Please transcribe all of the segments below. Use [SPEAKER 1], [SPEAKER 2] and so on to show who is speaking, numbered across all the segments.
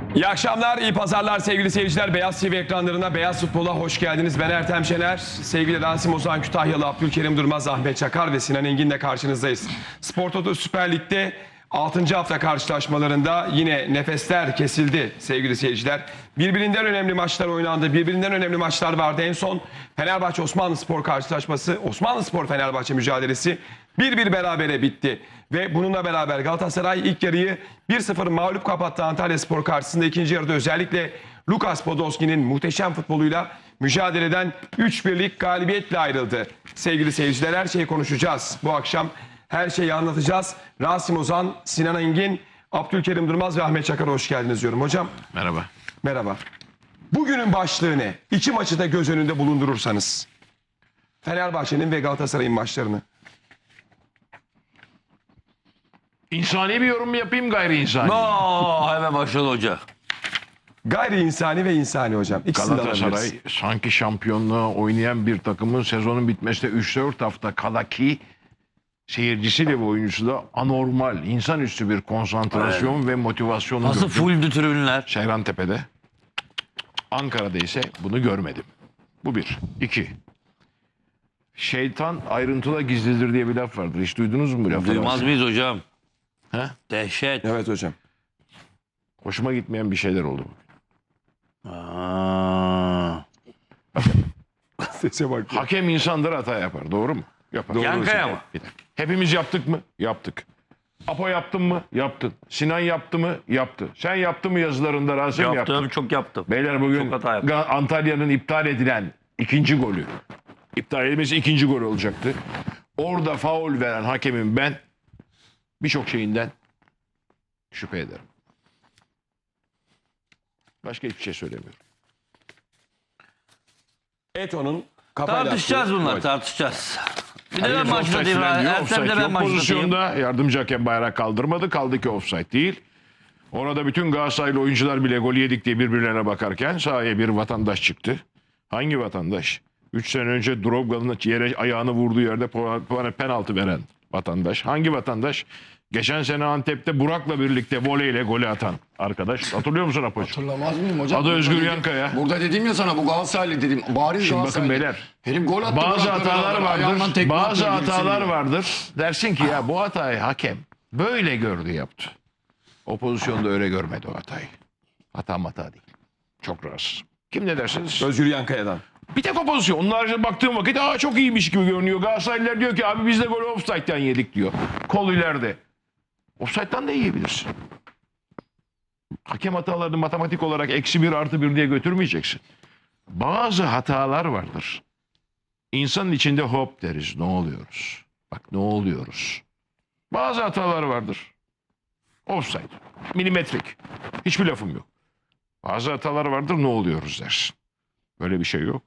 [SPEAKER 1] İyi akşamlar, iyi pazarlar sevgili seyirciler. Beyaz TV ekranlarına, Beyaz Futbol'a hoş geldiniz. Ben Ertem Şener, sevgili Rasim Ozan Kütahyalı, Abdülkerim Durmaz, Ahmet Çakar ve Sinan Engin'le karşınızdayız. Spor Toto Süper Lig'de 6. hafta karşılaşmalarında yine nefesler kesildi sevgili seyirciler. Birbirinden önemli maçlar oynandı, birbirinden önemli maçlar vardı. En son Fenerbahçe Osmanlıspor karşılaşması, Osmanlıspor Fenerbahçe mücadelesi 1-1 berabere bitti. Ve bununla beraber Galatasaray ilk yarıyı 1-0 mağlup kapattı Antalyaspor karşısında. İkinci yarıda özellikle Lukas Podolski'nin muhteşem futboluyla mücadeleden 3-1'lik galibiyetle ayrıldı. Sevgili seyirciler, her şeyi konuşacağız. Bu akşam her şeyi anlatacağız. Rasim Ozan, Sinan Engin, Abdülkerim Durmaz ve Ahmet Çakar hoş geldiniz diyorum. Hocam.
[SPEAKER 2] Merhaba.
[SPEAKER 1] Merhaba. Bugünün başlığı ne? İki maçı da göz önünde bulundurursanız. Fenerbahçe'nin ve Galatasaray'ın maçlarını.
[SPEAKER 2] İnsani bir yorum mu yapayım, gayri insani?
[SPEAKER 3] Hemen başladı hoca.
[SPEAKER 1] Gayri insani ve insani hocam. İkisini de
[SPEAKER 2] Galatasaray
[SPEAKER 1] alabiliriz.
[SPEAKER 2] sanki şampiyonluğa oynayan bir takımın sezonun bitmesine 3-4 hafta kala ki seyircisiyle ve oyuncusu da anormal, insanüstü bir konsantrasyon ve motivasyonu
[SPEAKER 3] Nasıl
[SPEAKER 2] gördüm.
[SPEAKER 3] fulldü tribünler?
[SPEAKER 2] Seyrantepe'de. Ankara'da ise bunu görmedim. Bu bir. İki. Şeytan ayrıntıda gizlidir diye bir laf vardır. Hiç duydunuz mu bu lafı?
[SPEAKER 3] Duymaz mıyız hocam?
[SPEAKER 2] He?
[SPEAKER 3] Dehşet.
[SPEAKER 1] Evet hocam.
[SPEAKER 2] Hoşuma gitmeyen bir şeyler oldu.
[SPEAKER 3] Aa.
[SPEAKER 1] Sese bak.
[SPEAKER 2] Hakem insandır, hata yapar. Doğru mu? Yapar.
[SPEAKER 3] Yankaya mı?
[SPEAKER 2] Hepimiz yaptık mı? Yaptık. Apo yaptın mı? Yaptın. Sinan yaptı mı? Yaptı. Sen yaptın mı yazılarında Rasim yaptı.
[SPEAKER 3] Yaptım, çok yaptım.
[SPEAKER 2] Beyler bugün
[SPEAKER 3] Çok hata yaptım.
[SPEAKER 2] Antalya'nın iptal edilen ikinci golü. İptal edilmesi ikinci gol olacaktı. Orada faul veren hakemin ben birçok şeyinden şüphe ederim. Başka hiçbir şey söylemiyorum.
[SPEAKER 1] Eto'nun kafayla
[SPEAKER 3] Tartışacağız
[SPEAKER 1] attığı
[SPEAKER 3] bunlar,
[SPEAKER 1] gol.
[SPEAKER 3] tartışacağız. Bir de
[SPEAKER 2] Hayır,
[SPEAKER 3] ben
[SPEAKER 2] offside
[SPEAKER 3] başlatayım.
[SPEAKER 2] falan diyor.
[SPEAKER 3] Ertem
[SPEAKER 2] Offside
[SPEAKER 3] de ben
[SPEAKER 2] yok.
[SPEAKER 3] başlatayım.
[SPEAKER 2] Pozisyonda yardımcı hakem bayrak kaldırmadı. Kaldı ki offside değil. Orada bütün Galatasaraylı oyuncular bile gol yedik diye birbirlerine bakarken sahaya bir vatandaş çıktı. Hangi vatandaş? 3 sene önce Drogba'nın yere ayağını vurduğu yerde penaltı veren vatandaş. Hangi vatandaş? Geçen sene Antep'te Burak'la birlikte voleyle golü atan arkadaş. Hatırlıyor musun Apo'cuğum?
[SPEAKER 4] Hatırlamaz mıyım hocam?
[SPEAKER 2] Adı Özgür
[SPEAKER 4] Burada
[SPEAKER 2] Yankaya.
[SPEAKER 4] Burada dedim ya sana, bu Galatasaraylı dedim. Bariz
[SPEAKER 2] Şimdi
[SPEAKER 4] Galatasaraylı.
[SPEAKER 2] bakın beyler.
[SPEAKER 4] Herif gol attı.
[SPEAKER 2] Bazı
[SPEAKER 4] Burak'la
[SPEAKER 2] hatalar
[SPEAKER 4] beraber. Ayağından
[SPEAKER 2] vardır.
[SPEAKER 4] tekme
[SPEAKER 2] Bazı
[SPEAKER 4] atıyor,
[SPEAKER 2] hatalar
[SPEAKER 4] gibisi.
[SPEAKER 2] vardır. Dersin ki ya bu hatayı hakem böyle gördü, yaptı. O pozisyonda öyle görmedi o hatayı. Hata değil. Çok rahatsız. Kim ne dersiniz?
[SPEAKER 1] Özgür Yankaya'dan.
[SPEAKER 2] Bir tek o pozisyon. Onun haricinde baktığım vakit çok iyiymiş gibi görünüyor. Galatasaraylılar diyor ki abi biz de golü offside'den yedik diyor. Kol ileride. Offside'dan da yiyebilirsin. Hakem hatalarını matematik olarak -1 + 1 diye götürmeyeceksin. Bazı hatalar vardır. İnsanın içinde hop deriz. Ne oluyoruz? Bak ne oluyoruz? Bazı hatalar vardır. Offside. Milimetrik. Hiçbir lafım yok. Bazı hatalar vardır, ne oluyoruz dersin. Böyle bir şey yok.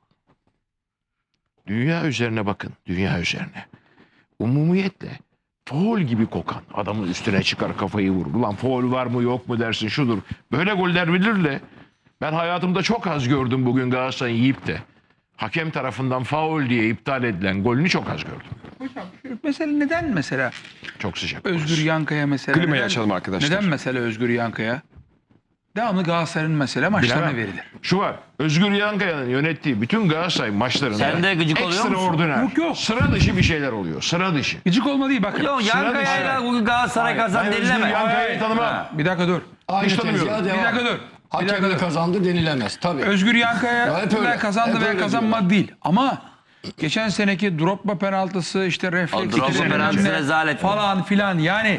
[SPEAKER 2] Dünya üzerine bakın. Dünya üzerine. Umumiyetle faul gibi kokan adamın üstüne çıkar kafayı vurur. Ulan faul var mı yok mu dersin, şudur. Böyle goller bilir de ben hayatımda çok az gördüm bugün Galatasaray'ı yiyip de hakem tarafından faul diye iptal edilen golünü çok az gördüm.
[SPEAKER 5] Hocam şu mesele neden mesela
[SPEAKER 2] Çok sıcak.
[SPEAKER 5] Özgür Yankaya mesela?
[SPEAKER 1] Klimayı
[SPEAKER 5] neden-
[SPEAKER 1] açalım arkadaşlar.
[SPEAKER 5] Neden mesela Özgür Yankaya? Devamlı Galatasaray'ın mesela maçlarına
[SPEAKER 2] Bilemem.
[SPEAKER 5] verilir.
[SPEAKER 2] Şu var. Özgür Yankaya'nın yönettiği bütün Galatasaray maçlarında
[SPEAKER 3] Sen de gıcık oluyor musun?
[SPEAKER 2] ekstraordiner,
[SPEAKER 5] Yok.
[SPEAKER 2] sıra dışı bir şeyler oluyor. Sıra dışı.
[SPEAKER 5] Gıcık olma değil bakın.
[SPEAKER 3] Yok Yankaya'yla bugün Galatasaray kazan
[SPEAKER 2] Ben Özgür
[SPEAKER 3] denileme.
[SPEAKER 2] Yankaya'yı tanımam.
[SPEAKER 5] Bir dakika dur.
[SPEAKER 4] Aynı
[SPEAKER 2] Hiç tanımıyorum.
[SPEAKER 4] tezgaha
[SPEAKER 5] Bir
[SPEAKER 4] devam.
[SPEAKER 5] dakika dur. Bir dakika
[SPEAKER 4] Hakemle
[SPEAKER 5] dur.
[SPEAKER 4] kazandı denilemez. Tabii.
[SPEAKER 5] Özgür
[SPEAKER 4] Ya hep
[SPEAKER 5] Yankaya
[SPEAKER 4] öyle.
[SPEAKER 5] kazandı
[SPEAKER 4] Hep
[SPEAKER 5] veya
[SPEAKER 4] öyle
[SPEAKER 5] kazanmadı değil. Ama geçen seneki Drogba penaltısı işte refleks
[SPEAKER 3] Drogba
[SPEAKER 5] bilmem
[SPEAKER 3] penaltısı
[SPEAKER 5] ne
[SPEAKER 3] rezalet.
[SPEAKER 5] falan filan yani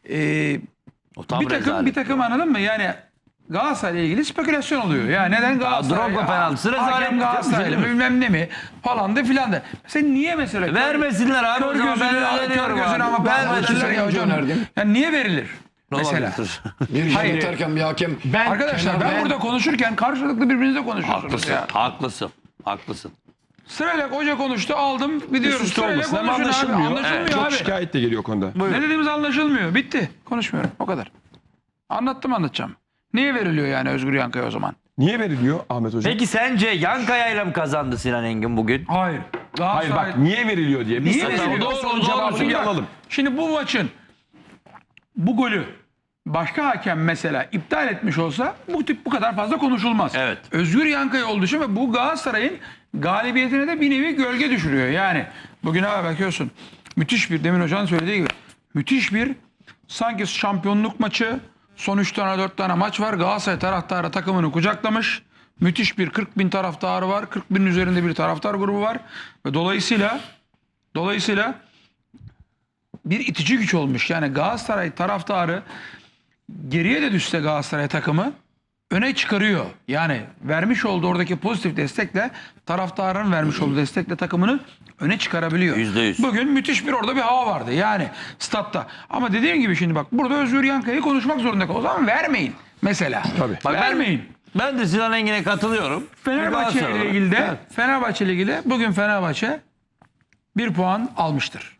[SPEAKER 3] O tam
[SPEAKER 5] bir
[SPEAKER 3] rezalet.
[SPEAKER 5] takım anladın mı? Yani Galatasaray'la ilgili spekülasyon oluyor. Ya neden Galatasaray?
[SPEAKER 3] Drogba penaltısı rezalet.
[SPEAKER 5] Hakem Galatasaray'la bilmem ne mi falan da filan da. Sen niye mesela?
[SPEAKER 3] Vermesinler abi.
[SPEAKER 5] Kör
[SPEAKER 3] O zaman
[SPEAKER 5] gözüne,
[SPEAKER 3] ben öyle
[SPEAKER 5] kör
[SPEAKER 3] diyorum
[SPEAKER 5] gözüne
[SPEAKER 3] abi.
[SPEAKER 5] ama
[SPEAKER 3] Vermesinler.
[SPEAKER 5] vermesinler ya hocam.
[SPEAKER 4] önerdim.
[SPEAKER 5] Yani niye verilir?
[SPEAKER 3] Ne
[SPEAKER 5] Mesela.
[SPEAKER 3] olabilir?
[SPEAKER 4] Bir
[SPEAKER 2] Hayır.
[SPEAKER 4] yönetirken bir hakem.
[SPEAKER 5] Arkadaşlar ben burada konuşurken karşılıklı birbirinizle konuşuyorsunuz
[SPEAKER 3] Haklısın.
[SPEAKER 5] ya.
[SPEAKER 3] Haklısın. Haklısın.
[SPEAKER 5] Sırayla hoca konuştu aldım gidiyoruz.
[SPEAKER 1] Üst üste
[SPEAKER 5] Sırayla
[SPEAKER 1] olmasın ama
[SPEAKER 5] konuşun abi.
[SPEAKER 1] anlaşılmıyor.
[SPEAKER 5] Anlaşılmıyor
[SPEAKER 1] Çok
[SPEAKER 5] abi.
[SPEAKER 1] şikayet de geliyor konuda.
[SPEAKER 5] Ne dediğimiz anlaşılmıyor. Bitti. Konuşmuyorum. O kadar. Anlatacağım. Niye veriliyor yani Özgür Yankaya o zaman?
[SPEAKER 1] Niye veriliyor Ahmet Hocam?
[SPEAKER 3] Peki sence Yankaya'yla mı kazandı Sinan Engin bugün?
[SPEAKER 5] Hayır.
[SPEAKER 1] Hayır bak niye veriliyor diye. Biz
[SPEAKER 5] Niye
[SPEAKER 1] sana
[SPEAKER 5] veriliyor?
[SPEAKER 1] o sorunun cevabını bir alalım.
[SPEAKER 5] Şimdi bu maçın bu golü başka hakem mesela iptal etmiş olsa bu kadar fazla konuşulmaz.
[SPEAKER 3] Evet.
[SPEAKER 5] Özgür Yankaya olduğu için ve bu Galatasaray'ın galibiyetine de bir nevi gölge düşürüyor. Yani bugün abi bakıyorsun müthiş bir, demin hocanın söylediği gibi müthiş bir sanki şampiyonluk maçı, son 3 tane 4 tane maç var. Galatasaray taraftarı takımını kucaklamış. Müthiş bir 40 bin taraftarı var. 40 binin üzerinde bir taraftar grubu var. Ve dolayısıyla bir itici güç olmuş. Yani Galatasaray taraftarı geriye de düşse Galatasaray takımı öne çıkarıyor. Yani vermiş olduğu oradaki pozitif destekle, taraftarın vermiş olduğu destekle takımını öne çıkarabiliyor.
[SPEAKER 3] %100.
[SPEAKER 5] Bugün müthiş bir orada bir hava vardı yani statta. Ama dediğim gibi şimdi bak burada Özgür Yankaya'yı konuşmak zorunda kalıyor. O zaman vermeyin mesela.
[SPEAKER 1] Tabii.
[SPEAKER 3] Bak
[SPEAKER 5] Vermeyin.
[SPEAKER 3] Ben de Sinan Engin'e katılıyorum.
[SPEAKER 5] Fenerbahçe
[SPEAKER 3] Galatasaray
[SPEAKER 5] ile ilgili de
[SPEAKER 3] olarak.
[SPEAKER 5] Fenerbahçe ile ilgili bugün Fenerbahçe 1 puan almıştır.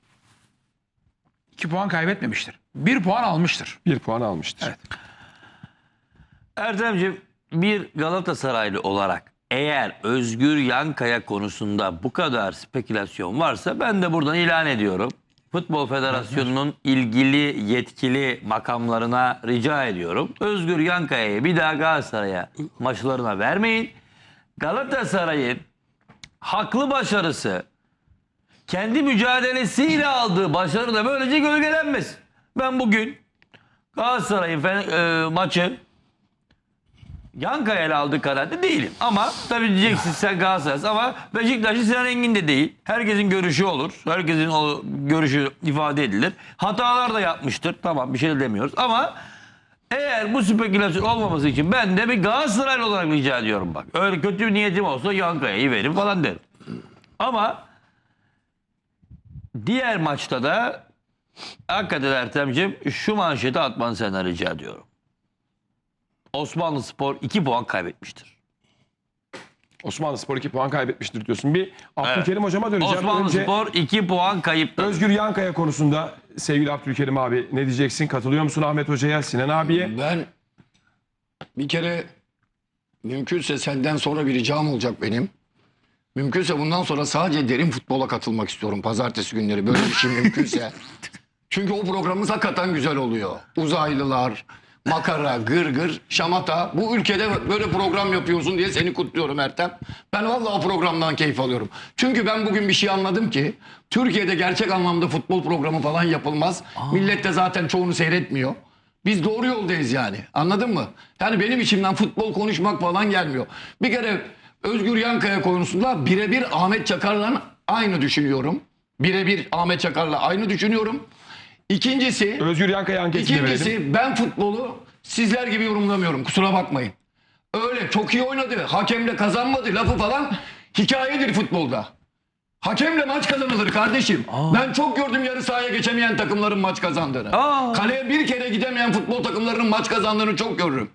[SPEAKER 5] 2 puan kaybetmemiştir. 1 puan almıştır.
[SPEAKER 1] 1 puan almıştır.
[SPEAKER 5] Evet.
[SPEAKER 3] Erdemciğim, bir Galatasaraylı olarak eğer Özgür Yankaya konusunda bu kadar spekülasyon varsa ben de buradan ilan ediyorum. Futbol Federasyonu'nun ilgili yetkili makamlarına rica ediyorum. Özgür Yankaya'yı bir daha Galatasaray'a maçlarına vermeyin. Galatasaray'ın haklı başarısı, kendi mücadelesiyle aldığı başarı da böylece gölgelenmesin. Ben bugün Galatasaray'ın maçı Yankaya ile aldığı kararda değilim. Ama tabii diyeceksin sen Galatasaray'sın ama Beşiktaş'ın Sinan Engin de değil. Herkesin görüşü olur. Herkesin o görüşü ifade edilir. Hatalar da yapmıştır. Tamam, bir şey de demiyoruz. Ama eğer bu spekülasyon olmaması için ben de bir Galatasaraylı olarak rica ediyorum bak. Öyle kötü bir niyetim olsa Yankaya'yı verin falan derim. Ama diğer maçta da hakikaten Ertem'ciğim şu manşeti atmanı senden rica ediyorum. Osmanlıspor 2 puan kaybetmiştir.
[SPEAKER 1] Osmanlıspor 2 puan kaybetmiştir diyorsun. Bir Abdülkerim hocama döneceğim. Önce
[SPEAKER 3] Osmanlıspor 2 puan kayıptır.
[SPEAKER 1] Özgür Yankaya konusunda sevgili Abdülkerim abi ne diyeceksin? Katılıyor musun Ahmet Hoca'ya, Sinan abiye?
[SPEAKER 4] Ben bir kere mümkünse senden sonra bir ricam olacak benim. Mümkünse bundan sonra sadece derin futbola katılmak istiyorum pazartesi günleri. Böyle bir şey mümkünse. Çünkü o programımız hakikaten güzel oluyor. Uzaylılar, makara, gırgır, şamata. Bu ülkede böyle program yapıyorsun diye seni kutluyorum Ertem. Ben vallahi o programdan keyif alıyorum. Çünkü ben bugün bir şey anladım ki Türkiye'de gerçek anlamda futbol programı falan yapılmaz. Millet de zaten çoğunu seyretmiyor. Biz doğru yoldayız yani. Anladın mı? Yani benim içimden futbol konuşmak falan gelmiyor. Bir kere Özgür Yankaya konusunda birebir Ahmet Çakar'la aynı düşünüyorum. Birebir Ahmet Çakar'la aynı düşünüyorum. İkincisi
[SPEAKER 1] Özgür Yankaya anketini verelim.
[SPEAKER 4] İkincisi ben futbolu sizler gibi yorumlamıyorum. Kusura bakmayın. Öyle çok iyi oynadı. Hakemle kazanmadı lafı falan hikayedir futbolda. Hakemle maç kazanılır kardeşim. Ben çok gördüm yarı sahaya geçemeyen takımların maç kazandığını. Kaleye bir kere gidemeyen futbol takımlarının maç kazandığını çok görürüm.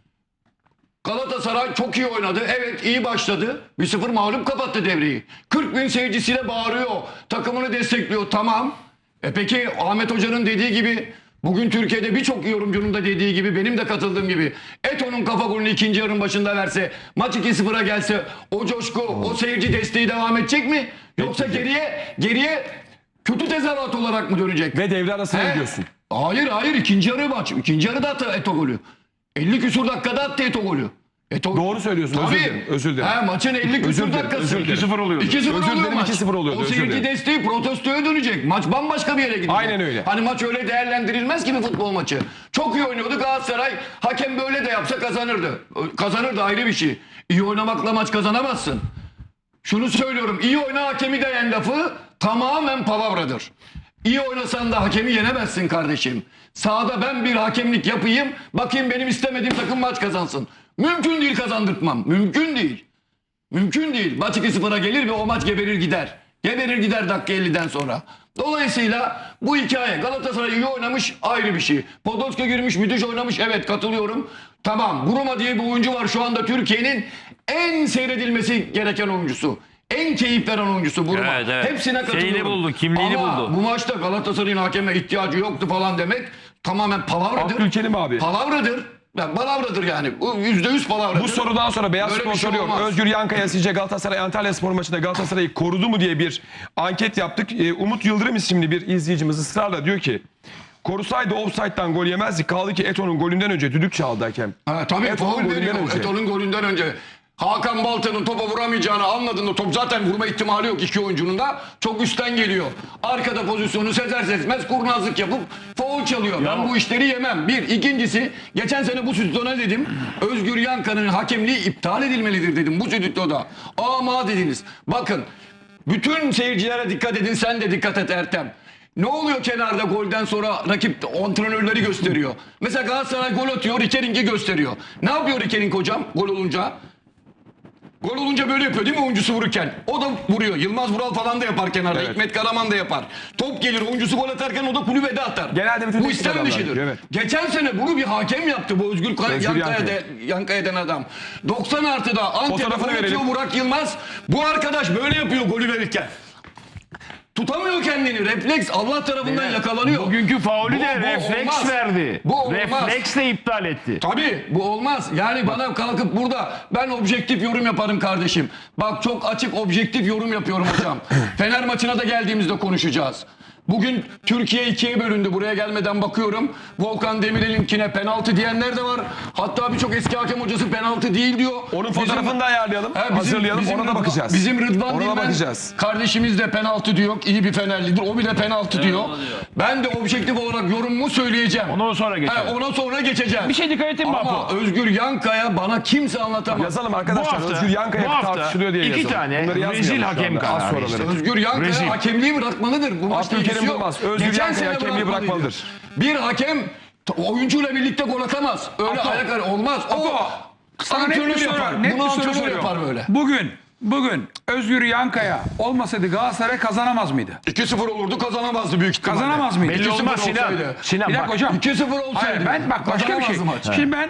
[SPEAKER 4] Galatasaray çok iyi oynadı. Evet, iyi başladı. 1-0 mağlup kapattı devreyi. 40 bin seyircisiyle bağırıyor. Takımını destekliyor. Tamam. Peki Ahmet Hoca'nın dediği gibi bugün Türkiye'de birçok yorumcunun da dediği gibi benim de katıldığım gibi Eto'nun kafa golünü ikinci yarının başında verse maç 2-0'a gelse o coşku o seyirci desteği devam edecek mi? Yoksa geriye kötü tezahürat olarak mı dönecek?
[SPEAKER 1] Ve devre arasına gidiyorsun.
[SPEAKER 4] Hayır ikinci yarı maç. İkinci yarıda attı Eto golü. 50 küsur dakikada attı Eto golü.
[SPEAKER 1] Doğru söylüyorsun.
[SPEAKER 4] Tabii.
[SPEAKER 1] Özür dilerim.
[SPEAKER 4] Maçın 50
[SPEAKER 1] Özür
[SPEAKER 4] küsur
[SPEAKER 1] dilerim,
[SPEAKER 4] dakikası.
[SPEAKER 1] özür dilerim.
[SPEAKER 2] 2-0 oluyordu.
[SPEAKER 4] 2-0
[SPEAKER 1] Özür
[SPEAKER 4] oluyor
[SPEAKER 1] dilerim,
[SPEAKER 4] maç.
[SPEAKER 1] 2-0 oluyordu,
[SPEAKER 4] O
[SPEAKER 1] özür
[SPEAKER 4] seyirci
[SPEAKER 1] dilerim.
[SPEAKER 4] desteği protestoya dönecek. Maç bambaşka bir yere gidecek.
[SPEAKER 1] Aynen öyle.
[SPEAKER 4] Hani maç öyle değerlendirilmez ki bir futbol maçı. Çok iyi oynuyordu Galatasaray. Hakem böyle de yapsa kazanırdı. Kazanırdı ayrı bir şey. İyi oynamakla maç kazanamazsın. Şunu söylüyorum. İyi oyna hakemi de yen lafı tamamen palavradır. İyi oynasan da hakemi yenemezsin kardeşim. Sahada ben bir hakemlik yapayım. Bakayım benim istemediğim takım maç kazansın. Mümkün değil kazandırtmam. Mümkün değil. Mümkün değil. Maç 2-0'a gelir ve o maç geberir gider. Geberir gider dakika 50'den sonra. Dolayısıyla bu hikaye Galatasaray iyi oynamış ayrı bir şey. Podolski girmiş müthiş oynamış evet katılıyorum. Tamam Buruma diye bir oyuncu var şu anda Türkiye'nin en seyredilmesi gereken oyuncusu. En keyif veren oyuncusu Buruma.
[SPEAKER 3] Evet.
[SPEAKER 4] Hepsine katılıyorum.
[SPEAKER 3] Şeyini buldu, kimliğini
[SPEAKER 4] Ama
[SPEAKER 3] buldu.
[SPEAKER 4] bu maçta Galatasaray'ın hakeme ihtiyacı yoktu falan demek tamamen palavradır.
[SPEAKER 1] Abdülkerim abi.
[SPEAKER 4] Palavradır. Yani palavradır yani. Bu %100 palavradır.
[SPEAKER 1] Bu sorudan sonra Beyaz
[SPEAKER 4] Böyle
[SPEAKER 1] Spor
[SPEAKER 4] bir şey
[SPEAKER 1] soruyor.
[SPEAKER 4] olmaz.
[SPEAKER 1] Özgür Yankaya sizce Galatasaray Antalyaspor maçında Galatasaray'ı korudu mu diye bir anket yaptık. Umut Yıldırım isimli bir izleyicimiz ısrarla diyor ki Korusaydı offside'dan gol yemezdik. Kaldı ki Eto'nun golünden önce düdük çaldı hakem.
[SPEAKER 4] Ha, tabii
[SPEAKER 1] Eto'nun
[SPEAKER 4] faul
[SPEAKER 1] golünden
[SPEAKER 4] veriyor.
[SPEAKER 1] önce.
[SPEAKER 4] Eto'nun golünden önce. Hakan Balta'nın topa vuramayacağını anladığında top zaten vurma ihtimali yok iki oyuncunun da. Çok üstten geliyor. Arkada pozisyonu sezer sezmez kurnazlık yapıp faul çalıyor. Ben bu işleri yemem. Bir. İkincisi geçen sene bu stüdyoda dedim. Özgür Yanka'nın hakemliği iptal edilmelidir dedim bu stüdyoda. Ama dediniz. Bakın bütün seyircilere dikkat edin, sen de dikkat et Ertem. Ne oluyor kenarda golden sonra rakip antrenörleri gösteriyor. Mesela Galatasaray gol atıyor, Rikering'i gösteriyor. Ne yapıyor Rikering hocam gol olunca? Gol olunca böyle yapıyor değil mi oyuncusu vururken? O da vuruyor. Yılmaz Vural falan da yapar kenarda.
[SPEAKER 1] Evet.
[SPEAKER 4] Hikmet Karaman da yapar. Top gelir oyuncusu gol atarken o da kulübede atar.
[SPEAKER 1] Genelde bütün
[SPEAKER 4] bu
[SPEAKER 1] teknik
[SPEAKER 4] istem
[SPEAKER 1] adamlar
[SPEAKER 4] dışıdır.
[SPEAKER 1] yapıyor, evet.
[SPEAKER 4] Geçen sene bunu bir hakem yaptı bu Özgür Yankaya denen adam. 90 artıda Antep'e
[SPEAKER 1] Fotoğrafını
[SPEAKER 4] gol atıyor
[SPEAKER 1] verelim.
[SPEAKER 4] Burak Yılmaz. Bu arkadaş böyle yapıyor golü verirken. Tutamıyor kendini. Refleks Allah tarafından yakalanıyor.
[SPEAKER 2] Bugünkü faulü de
[SPEAKER 4] Bu
[SPEAKER 2] refleks
[SPEAKER 4] olmaz.
[SPEAKER 2] verdi.
[SPEAKER 4] Bu olmaz.
[SPEAKER 2] Refleksle iptal etti.
[SPEAKER 4] Tabii bu olmaz. Yani bana kalkıp burada ben objektif yorum yaparım kardeşim. Bak çok açık objektif yorum yapıyorum hocam. Fener maçına da geldiğimizde konuşacağız. Bugün Türkiye ikiye bölündü. Buraya gelmeden bakıyorum. Volkan Demirel'inkine penaltı diyenler de var. Hatta birçok eski hakem hocası penaltı değil diyor.
[SPEAKER 1] Onun fotoğrafını da ayarlayalım. Hazırlayalım. Ona da bakacağız.
[SPEAKER 4] Bizim Rıdvan
[SPEAKER 1] Ona da
[SPEAKER 4] Dilmen
[SPEAKER 1] bakacağız.
[SPEAKER 4] kardeşimiz de penaltı diyor. İyi bir Fenerlidir. O bile penaltı diyor. Ben de objektif olarak yorumumu söyleyeceğim.
[SPEAKER 2] Ondan sonra geçelim.
[SPEAKER 4] Ona sonra geçeceğim.
[SPEAKER 2] Bir şey dikkat ettin mi
[SPEAKER 4] Ama
[SPEAKER 2] Apo?
[SPEAKER 4] Özgür Yankaya bana kimse anlatamaz.
[SPEAKER 1] Yazalım arkadaşlar.
[SPEAKER 2] Bu hafta-
[SPEAKER 1] Özgür Yankaya
[SPEAKER 2] bu hafta
[SPEAKER 1] tartışılıyor diye
[SPEAKER 2] iki
[SPEAKER 1] yazalım.
[SPEAKER 2] tane
[SPEAKER 1] Bunları yazmayalım
[SPEAKER 2] rezil
[SPEAKER 1] şu
[SPEAKER 2] hakem
[SPEAKER 1] anda. Az
[SPEAKER 2] kararı
[SPEAKER 1] sonra
[SPEAKER 2] işte.
[SPEAKER 1] verelim.
[SPEAKER 4] Özgür Yankaya
[SPEAKER 2] Rezil.
[SPEAKER 4] hakemliği bırakmalıdır. Bu maçta
[SPEAKER 1] Abdülkerim
[SPEAKER 4] ilgisi yok.
[SPEAKER 1] Durmaz, Özgür
[SPEAKER 4] Geçen
[SPEAKER 1] Yankaya
[SPEAKER 4] sene
[SPEAKER 1] hakemliği bırakmalıdır.
[SPEAKER 4] Bir hakem oyuncuyla birlikte gol atamaz. Öyle
[SPEAKER 5] Apo.
[SPEAKER 4] ayak olmaz. O
[SPEAKER 5] Sana net bir
[SPEAKER 4] antrenör
[SPEAKER 5] soru,
[SPEAKER 4] yapar.
[SPEAKER 5] net
[SPEAKER 4] Bunu
[SPEAKER 5] bir soru
[SPEAKER 4] antrenör
[SPEAKER 5] soruyorum.
[SPEAKER 4] yapar böyle.
[SPEAKER 5] Bugün Özgür Yankaya olmasaydı Galatasaray kazanamaz mıydı?
[SPEAKER 4] 2-0 olurdu kazanamazdı büyük ihtimalle.
[SPEAKER 5] Kazanamaz mıydı?
[SPEAKER 2] Belli
[SPEAKER 4] 2-0
[SPEAKER 2] olmaz Sinan.
[SPEAKER 4] olsaydı.
[SPEAKER 2] Sinan
[SPEAKER 5] Bir dakika
[SPEAKER 2] bak.
[SPEAKER 5] hocam.
[SPEAKER 4] 2-0 olsaydı.
[SPEAKER 5] Hayır ben bak başka bir şey.
[SPEAKER 4] Kazanamazdı maç.
[SPEAKER 5] Şimdi ben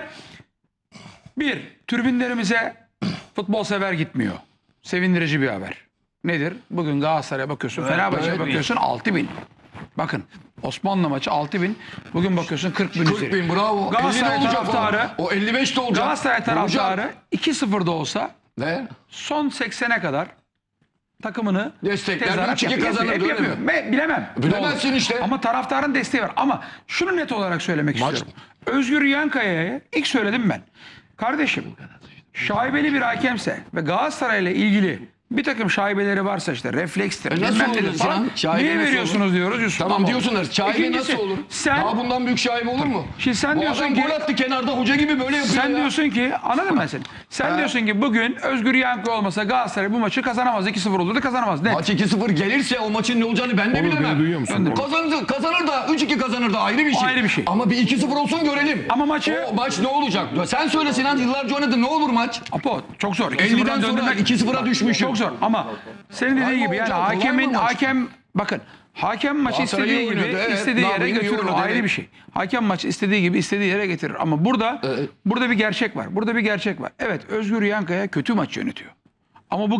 [SPEAKER 5] tribünlerimize futbol sever gitmiyor. Sevindirici bir haber. Nedir? Bugün Galatasaray'a bakıyorsun, Fenerbahçe'ye
[SPEAKER 4] evet.
[SPEAKER 5] bakıyorsun 6.000. Bakın Osmanlı maçı 6.000. Bugün bakıyorsun 40.000
[SPEAKER 4] 40
[SPEAKER 5] üzeri.
[SPEAKER 4] bin bravo.
[SPEAKER 5] Galatasaray
[SPEAKER 4] 50 de olacak
[SPEAKER 5] taraftarı-
[SPEAKER 4] o 55 de olacak.
[SPEAKER 5] Galatasaray taraftarı 2-0'da olsa
[SPEAKER 4] Ne?
[SPEAKER 5] son 80'e kadar takımını
[SPEAKER 4] Destekler,
[SPEAKER 5] tezahürat
[SPEAKER 4] 3-2
[SPEAKER 5] yapıyor.
[SPEAKER 4] kazanır,
[SPEAKER 5] Hep
[SPEAKER 4] öyle
[SPEAKER 5] yapıyor.
[SPEAKER 4] mi?
[SPEAKER 5] Bilemem.
[SPEAKER 4] Bilemezsin
[SPEAKER 5] Doğru.
[SPEAKER 4] işte.
[SPEAKER 5] Ama taraftarın desteği var. Ama şunu net olarak söylemek istiyorum. Özgür Yankaya'ya ilk söyledim ben. Kardeşim şaibeli bir hakemse ve Galatasaray'la ilgili bir takım şaibeleri varsa işte reflekstir.
[SPEAKER 4] nasıl
[SPEAKER 5] bilmem
[SPEAKER 4] olur
[SPEAKER 5] nedir
[SPEAKER 4] Sinan?
[SPEAKER 5] falan.
[SPEAKER 4] Şaibe
[SPEAKER 5] Niye
[SPEAKER 4] nasıl
[SPEAKER 5] veriyorsunuz
[SPEAKER 4] olur?
[SPEAKER 5] diyoruz Yusuf.
[SPEAKER 4] Tamam
[SPEAKER 5] Ama
[SPEAKER 4] diyorsunlar. Şaibe
[SPEAKER 5] İkincisi,
[SPEAKER 4] nasıl olur?
[SPEAKER 5] Sen,
[SPEAKER 4] Daha bundan büyük şaibe olur mu?
[SPEAKER 5] Şimdi sen
[SPEAKER 4] Bu
[SPEAKER 5] diyorsun
[SPEAKER 4] adam
[SPEAKER 5] ki
[SPEAKER 4] gol attı kenarda hoca gibi böyle yapıyor
[SPEAKER 5] sen
[SPEAKER 4] ya.
[SPEAKER 5] diyorsun ki anladın mı seni? Sen diyorsun ki bugün Özgür Yankı olmasa Galatasaray bu maçı kazanamaz. 2-0 olurdu kazanamaz. Ne?
[SPEAKER 4] Maç 2-0 gelirse o maçın ne olacağını ben de bilemem.
[SPEAKER 1] duyuyor musun?
[SPEAKER 4] Kazanır da 3-2 kazanır da ayrı bir şey.
[SPEAKER 5] Ayrı bir şey.
[SPEAKER 4] Ama bir 2-0 olsun görelim.
[SPEAKER 5] Ama maçı-
[SPEAKER 4] O maç ne olacak? Sen söyle Sinan yıllarca oynadı ne olur maç?
[SPEAKER 5] Apo çok zor.
[SPEAKER 4] 50'den sonra 2-0'a düşmüşüm.
[SPEAKER 5] Çok zor ama senin dediğin
[SPEAKER 4] Kolay
[SPEAKER 5] gibi yani
[SPEAKER 4] mı hocam? Kolay mı maç?
[SPEAKER 5] bakın hakem maçı
[SPEAKER 4] Galatasaray
[SPEAKER 5] istediği
[SPEAKER 4] iyi
[SPEAKER 5] gibi
[SPEAKER 4] oynadı, evet.
[SPEAKER 5] istediği yere
[SPEAKER 4] Nabri'nin iyi
[SPEAKER 5] götürür. O
[SPEAKER 4] oynadı,
[SPEAKER 5] ayrı
[SPEAKER 4] evet.
[SPEAKER 5] bir şey. Hakem maçı istediği gibi istediği yere getirir. Ama burada bir gerçek var. Burada bir gerçek var. Evet Özgür Yankaya kötü maç yönetiyor. Ama bu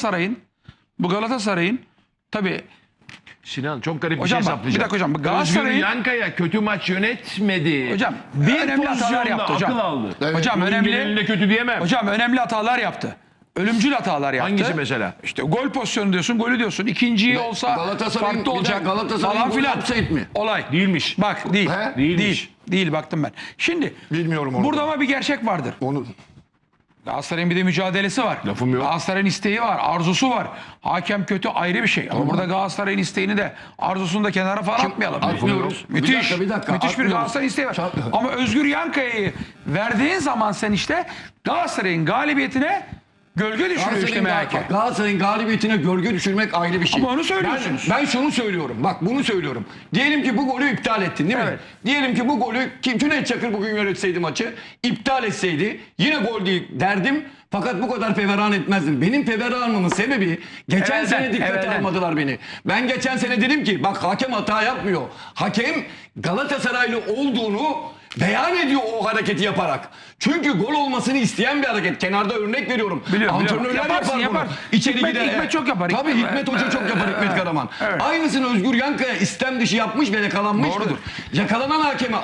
[SPEAKER 5] Galatasaray'ın tabii
[SPEAKER 2] Sinan çok garip bir
[SPEAKER 5] Hocam
[SPEAKER 2] şey
[SPEAKER 5] bak,
[SPEAKER 2] saplayacağım.
[SPEAKER 5] bir dakika hocam,
[SPEAKER 2] Özgür
[SPEAKER 5] Galatasaray'ın-
[SPEAKER 2] Yankaya kötü maç yönetmedi.
[SPEAKER 5] Hocam,
[SPEAKER 2] bir
[SPEAKER 5] önemli hatalar
[SPEAKER 2] pozisyonda
[SPEAKER 5] yaptı hocam.
[SPEAKER 2] akıl aldı.
[SPEAKER 5] Hocam
[SPEAKER 2] Oyun
[SPEAKER 5] önemli.
[SPEAKER 2] genelinde kötü diyemem.
[SPEAKER 5] Hocam önemli hatalar yaptı. Ölümcül hatalar yaptı.
[SPEAKER 2] Hangisi mesela?
[SPEAKER 5] İşte gol pozisyonu diyorsun, golü diyorsun. İkinciyi olsa
[SPEAKER 4] Galatasaray'ın-
[SPEAKER 5] farklı
[SPEAKER 4] bir
[SPEAKER 5] olacak.
[SPEAKER 4] dakika, Galatasaray'ın
[SPEAKER 5] falan
[SPEAKER 4] golü
[SPEAKER 5] filan.
[SPEAKER 4] offside mi?
[SPEAKER 5] Olay.
[SPEAKER 2] Değilmiş.
[SPEAKER 5] Bak değil.
[SPEAKER 4] He?
[SPEAKER 2] Değilmiş.
[SPEAKER 5] Değil baktım ben. Şimdi
[SPEAKER 4] Bilmiyorum onu
[SPEAKER 5] burada
[SPEAKER 4] da.
[SPEAKER 5] ama bir gerçek vardır.
[SPEAKER 4] Onu
[SPEAKER 5] Galatasaray'ın bir de mücadelesi var.
[SPEAKER 2] Lafım yok.
[SPEAKER 5] Galatasaray'ın isteği var, arzusu var. Hakem kötü ayrı bir şey. Ama burada Galatasaray'ın isteğini de arzusunu da kenara falan atmayalım.
[SPEAKER 4] atmıyoruz?
[SPEAKER 5] Müthiş.
[SPEAKER 4] Bir dakika,
[SPEAKER 5] Müthiş bir
[SPEAKER 4] atmıyoruz.
[SPEAKER 5] Galatasaray isteği var.
[SPEAKER 4] Çat-
[SPEAKER 5] Ama Özgür Yankaya'yı verdiğin zaman sen işte Galatasaray'ın galibiyetine gölge düşürüyor işte MHK.
[SPEAKER 4] Galatasaray'ın galibiyetine gölge düşürmek ayrı bir şey.
[SPEAKER 5] Ama onu söylüyorsunuz.
[SPEAKER 4] Ben şunu söylüyorum. Bak bunu söylüyorum. Diyelim ki bu golü iptal ettin değil mi?
[SPEAKER 5] Evet.
[SPEAKER 4] Diyelim ki bu golü Cüneyt Çakır bugün yönetseydi maçı, iptal etseydi yine gol değil derdim. Fakat bu kadar feveran etmezdim. Benim feveranımın sebebi geçen
[SPEAKER 5] Evvelden,
[SPEAKER 4] sene dikkate
[SPEAKER 5] evvelden.
[SPEAKER 4] almadılar beni. Ben geçen sene dedim ki bak hakem hata yapmıyor. Hakem Galatasaraylı olduğunu beyan ediyor o hareketi yaparak. Çünkü gol olmasını isteyen bir hareket. Kenarda örnek veriyorum.
[SPEAKER 5] Biliyorum,
[SPEAKER 4] Antrenörler
[SPEAKER 5] biliyorum.
[SPEAKER 4] yapar
[SPEAKER 5] Yaparsın,
[SPEAKER 4] bunu.
[SPEAKER 5] yapar.
[SPEAKER 4] İçeri
[SPEAKER 5] Hikmet-
[SPEAKER 4] gider.
[SPEAKER 5] Hikmet çok yapar.
[SPEAKER 4] Tabii Hikmet Hoca çok yapar Hikmet Karaman.
[SPEAKER 5] Evet.
[SPEAKER 4] Aynısını Özgür Yankaya istem dışı yapmış ve yakalanmıştır.
[SPEAKER 5] Doğrudur.
[SPEAKER 4] Yakalanan hakeme at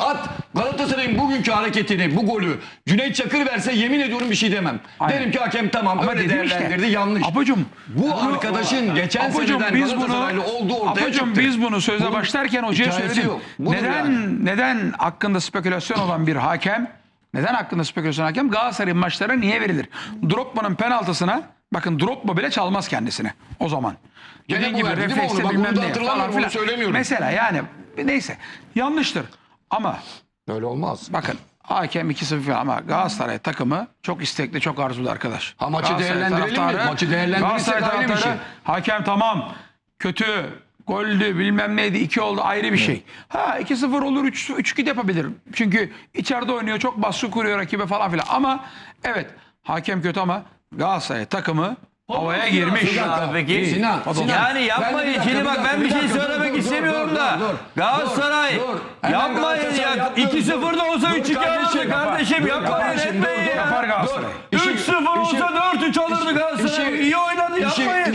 [SPEAKER 4] Galatasaray'ın bugünkü hareketini, bu golü Cüneyt Çakır verse yemin ediyorum bir şey demem.
[SPEAKER 5] Aynen.
[SPEAKER 4] Derim ki hakem tamam
[SPEAKER 5] Ama
[SPEAKER 4] öyle
[SPEAKER 5] dedim işte,
[SPEAKER 4] değerlendirdi yanlış.
[SPEAKER 5] Apocuğum,
[SPEAKER 4] Bu arkadaşın geçen seneden Galatasaraylı olduğu ortaya
[SPEAKER 5] Apocuğum,
[SPEAKER 4] çıktı.
[SPEAKER 5] biz bunu söze
[SPEAKER 4] Bunun
[SPEAKER 5] başlarken hocaya
[SPEAKER 4] hikayesi
[SPEAKER 5] söyledim.
[SPEAKER 4] yok. Budur yani.
[SPEAKER 5] Neden hakkında spekülasyon olan bir hakem, neden hakkında spekülasyon hakem Galatasaray'ın maçlara niye verilir? Drogba'nın penaltısına, bakın Drogba bile çalmaz kendisine o zaman.
[SPEAKER 4] Gene
[SPEAKER 5] Dediğin
[SPEAKER 4] bu
[SPEAKER 5] gibi
[SPEAKER 4] verdi değil mi
[SPEAKER 5] refleksle
[SPEAKER 4] onu? Bak
[SPEAKER 5] bilmem
[SPEAKER 4] bunu da
[SPEAKER 5] ne
[SPEAKER 4] hatırlamıyorum,
[SPEAKER 5] falan
[SPEAKER 4] onu
[SPEAKER 5] filan.
[SPEAKER 4] söylemiyorum.
[SPEAKER 5] Mesela yani neyse yanlıştır ama
[SPEAKER 4] Öyle olmaz.
[SPEAKER 5] bakın hakem 2-0 falan ama Galatasaray takımı çok istekli, çok arzulu arkadaş.
[SPEAKER 4] Ha, maçı
[SPEAKER 5] Galatasaray
[SPEAKER 4] değerlendirelim mi?
[SPEAKER 5] taraftarı,
[SPEAKER 4] Maçı değerlendirirsek
[SPEAKER 5] Galatasaray
[SPEAKER 4] ayrı bir
[SPEAKER 5] taraftarı,
[SPEAKER 4] şey.
[SPEAKER 5] hakem tamam kötü, goldü bilmem neydi 2 oldu ayrı bir şey. Ha 2-0 olur 3-2 de yapabilir. Çünkü içeride oynuyor çok baskı kuruyor rakibe falan filan ama evet hakem kötü ama Galatasaray takımı havaya girmiş.
[SPEAKER 3] Ya peki.
[SPEAKER 4] Sinan,
[SPEAKER 3] Yani
[SPEAKER 4] Ben
[SPEAKER 3] yapmayın.
[SPEAKER 4] de bir dakika,
[SPEAKER 3] Şimdi bak ben bir şey söylemek istemiyorum da. Galatasaray yapmayın ya. 2-0 da olsa 3-2 alırdı kardeşim. Yapmayın etmeyin
[SPEAKER 5] Yapar
[SPEAKER 3] ya.
[SPEAKER 5] Galatasaray.
[SPEAKER 3] 3-0 olsa 4-3 alırdı Galatasaray. İyi oynadı yapmayın.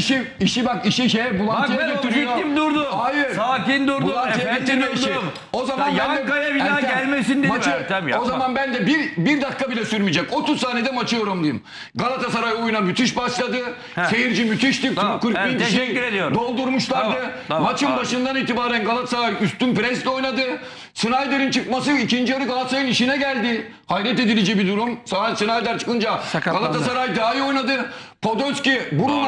[SPEAKER 4] İşi
[SPEAKER 3] Bak
[SPEAKER 4] bulantıya
[SPEAKER 3] ben
[SPEAKER 4] getiriyor.
[SPEAKER 3] objektif durdum.
[SPEAKER 4] Hayır.
[SPEAKER 3] Sakin durdum.
[SPEAKER 4] Bulantıya
[SPEAKER 3] Efendim
[SPEAKER 4] getiriyor işi.
[SPEAKER 3] durdum.
[SPEAKER 4] O zaman
[SPEAKER 3] Ya
[SPEAKER 4] ben de
[SPEAKER 3] Yankaya bir daha
[SPEAKER 4] Ertem,
[SPEAKER 3] gelmesin dedim
[SPEAKER 4] maçı-
[SPEAKER 3] Ertem yapma.
[SPEAKER 4] O zaman ben de bir dakika bile sürmeyecek. 30 saniyede maçı yorumlayayım. Galatasaray oyuna müthiş başladı. Seyirci müthişti.
[SPEAKER 3] Tamam,
[SPEAKER 4] 40 bin
[SPEAKER 3] evet,
[SPEAKER 4] kişi
[SPEAKER 3] teşekkür ediyorum.
[SPEAKER 4] doldurmuşlardı.
[SPEAKER 3] Tamam,
[SPEAKER 4] Maçın
[SPEAKER 3] tamam.
[SPEAKER 4] başından itibaren Galatasaray üstün presle oynadı. Snyder'in çıkması ikinci yarı Galatasaray'ın işine geldi. Hayret edici bir durum. Snyder çıkınca
[SPEAKER 5] Sakatlandı.
[SPEAKER 4] Galatasaray daha iyi oynadı. Podolski,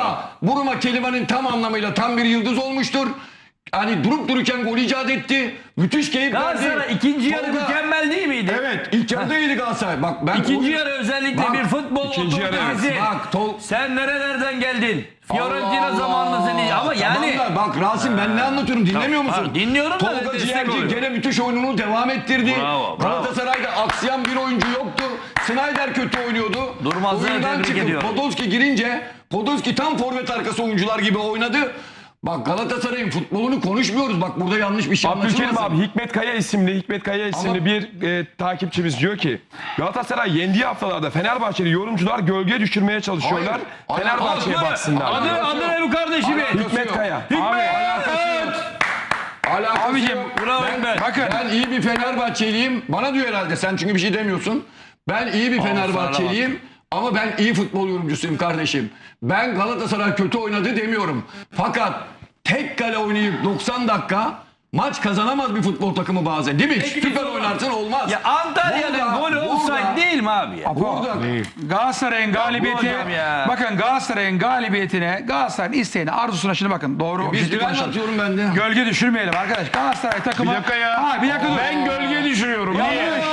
[SPEAKER 4] Buruma kelimenin tam anlamıyla tam bir yıldız olmuştur. Hani durup dururken gol icat etti. Müthiş keyif verdi.
[SPEAKER 3] Galatasaray ikinci yarı
[SPEAKER 4] Tolga-
[SPEAKER 3] mükemmel değil miydi?
[SPEAKER 4] Evet, ilk yarıda iyiydi Galatasaray. Bak ben
[SPEAKER 3] İkinci yarı özellikle
[SPEAKER 4] Bak,
[SPEAKER 3] bir futbol
[SPEAKER 1] ikinci yarı
[SPEAKER 3] otoritesi.
[SPEAKER 4] Bak,
[SPEAKER 3] Sen nerelerden geldin? Fiorentina
[SPEAKER 4] Allah Allah.
[SPEAKER 3] zamanındasın ama yani
[SPEAKER 4] Tamam da bak Rasim ben ne anlatıyorum dinlemiyor
[SPEAKER 3] Tamam,
[SPEAKER 4] musun?
[SPEAKER 3] dinliyorum da
[SPEAKER 4] Tolga
[SPEAKER 3] destek
[SPEAKER 4] Ciğerci
[SPEAKER 3] oluyor.
[SPEAKER 4] gene müthiş oyununu devam ettirdi.
[SPEAKER 3] Bravo, bravo.
[SPEAKER 4] Galatasaray'da aksayan bir oyuncu yoktu. Snyder kötü oynuyordu.
[SPEAKER 3] Durmaz'ı
[SPEAKER 4] Oyundan
[SPEAKER 3] tebrik
[SPEAKER 4] çıkıp
[SPEAKER 3] ediyorum.
[SPEAKER 4] Podolski girince Podolski tam forvet arkası oyuncular gibi oynadı. Bak Galatasaray'ın futbolunu konuşmuyoruz. Bak burada yanlış bir şey
[SPEAKER 1] Abdülkerim
[SPEAKER 4] anlaşılmasın.
[SPEAKER 1] abi Hikmet Kaya isimli
[SPEAKER 4] Ama-
[SPEAKER 1] bir takipçimiz diyor ki Galatasaray yendiği haftalarda Fenerbahçeli yorumcular gölge düşürmeye çalışıyorlar.
[SPEAKER 4] Hayır.
[SPEAKER 1] Fenerbahçe'ye baksınlar. diyor.
[SPEAKER 3] Adı ne bu kardeşimin?
[SPEAKER 1] Hikmet Kaya.
[SPEAKER 4] Alakası
[SPEAKER 5] Abicim,
[SPEAKER 4] yok.
[SPEAKER 3] bravo Hikmet.
[SPEAKER 5] Bakın
[SPEAKER 4] Ben iyi bir Fenerbahçeliyim. Bana diyor herhalde sen çünkü bir şey demiyorsun. Ben iyi bir Fenerbahçeliyim. Ama ben iyi futbol yorumcusuyum kardeşim. Ben Galatasaray kötü oynadı demiyorum. Fakat tek kale oynayıp 90 dakika maç kazanamaz bir futbol takımı bazen. Değil mi? Süper oynarsın olmaz.
[SPEAKER 3] Ya Antalya'nın golü offside değil mi abi ya?
[SPEAKER 4] Burada
[SPEAKER 5] Galatasaray'ın galibiyeti
[SPEAKER 3] hocam ya.
[SPEAKER 5] bakın Galatasaray'ın galibiyetine Galatasaray'ın isteğine arzusuna şimdi bakın doğru
[SPEAKER 4] biz
[SPEAKER 5] objektif
[SPEAKER 4] direnç
[SPEAKER 5] konuşalım.
[SPEAKER 4] atıyorum ben de.
[SPEAKER 5] Gölge düşürmeyelim arkadaş. Galatasaray takımı.
[SPEAKER 2] Bir dakika ya.
[SPEAKER 5] Ha, bir dakika dur.
[SPEAKER 2] Ben gölge düşürüyorum. Niye?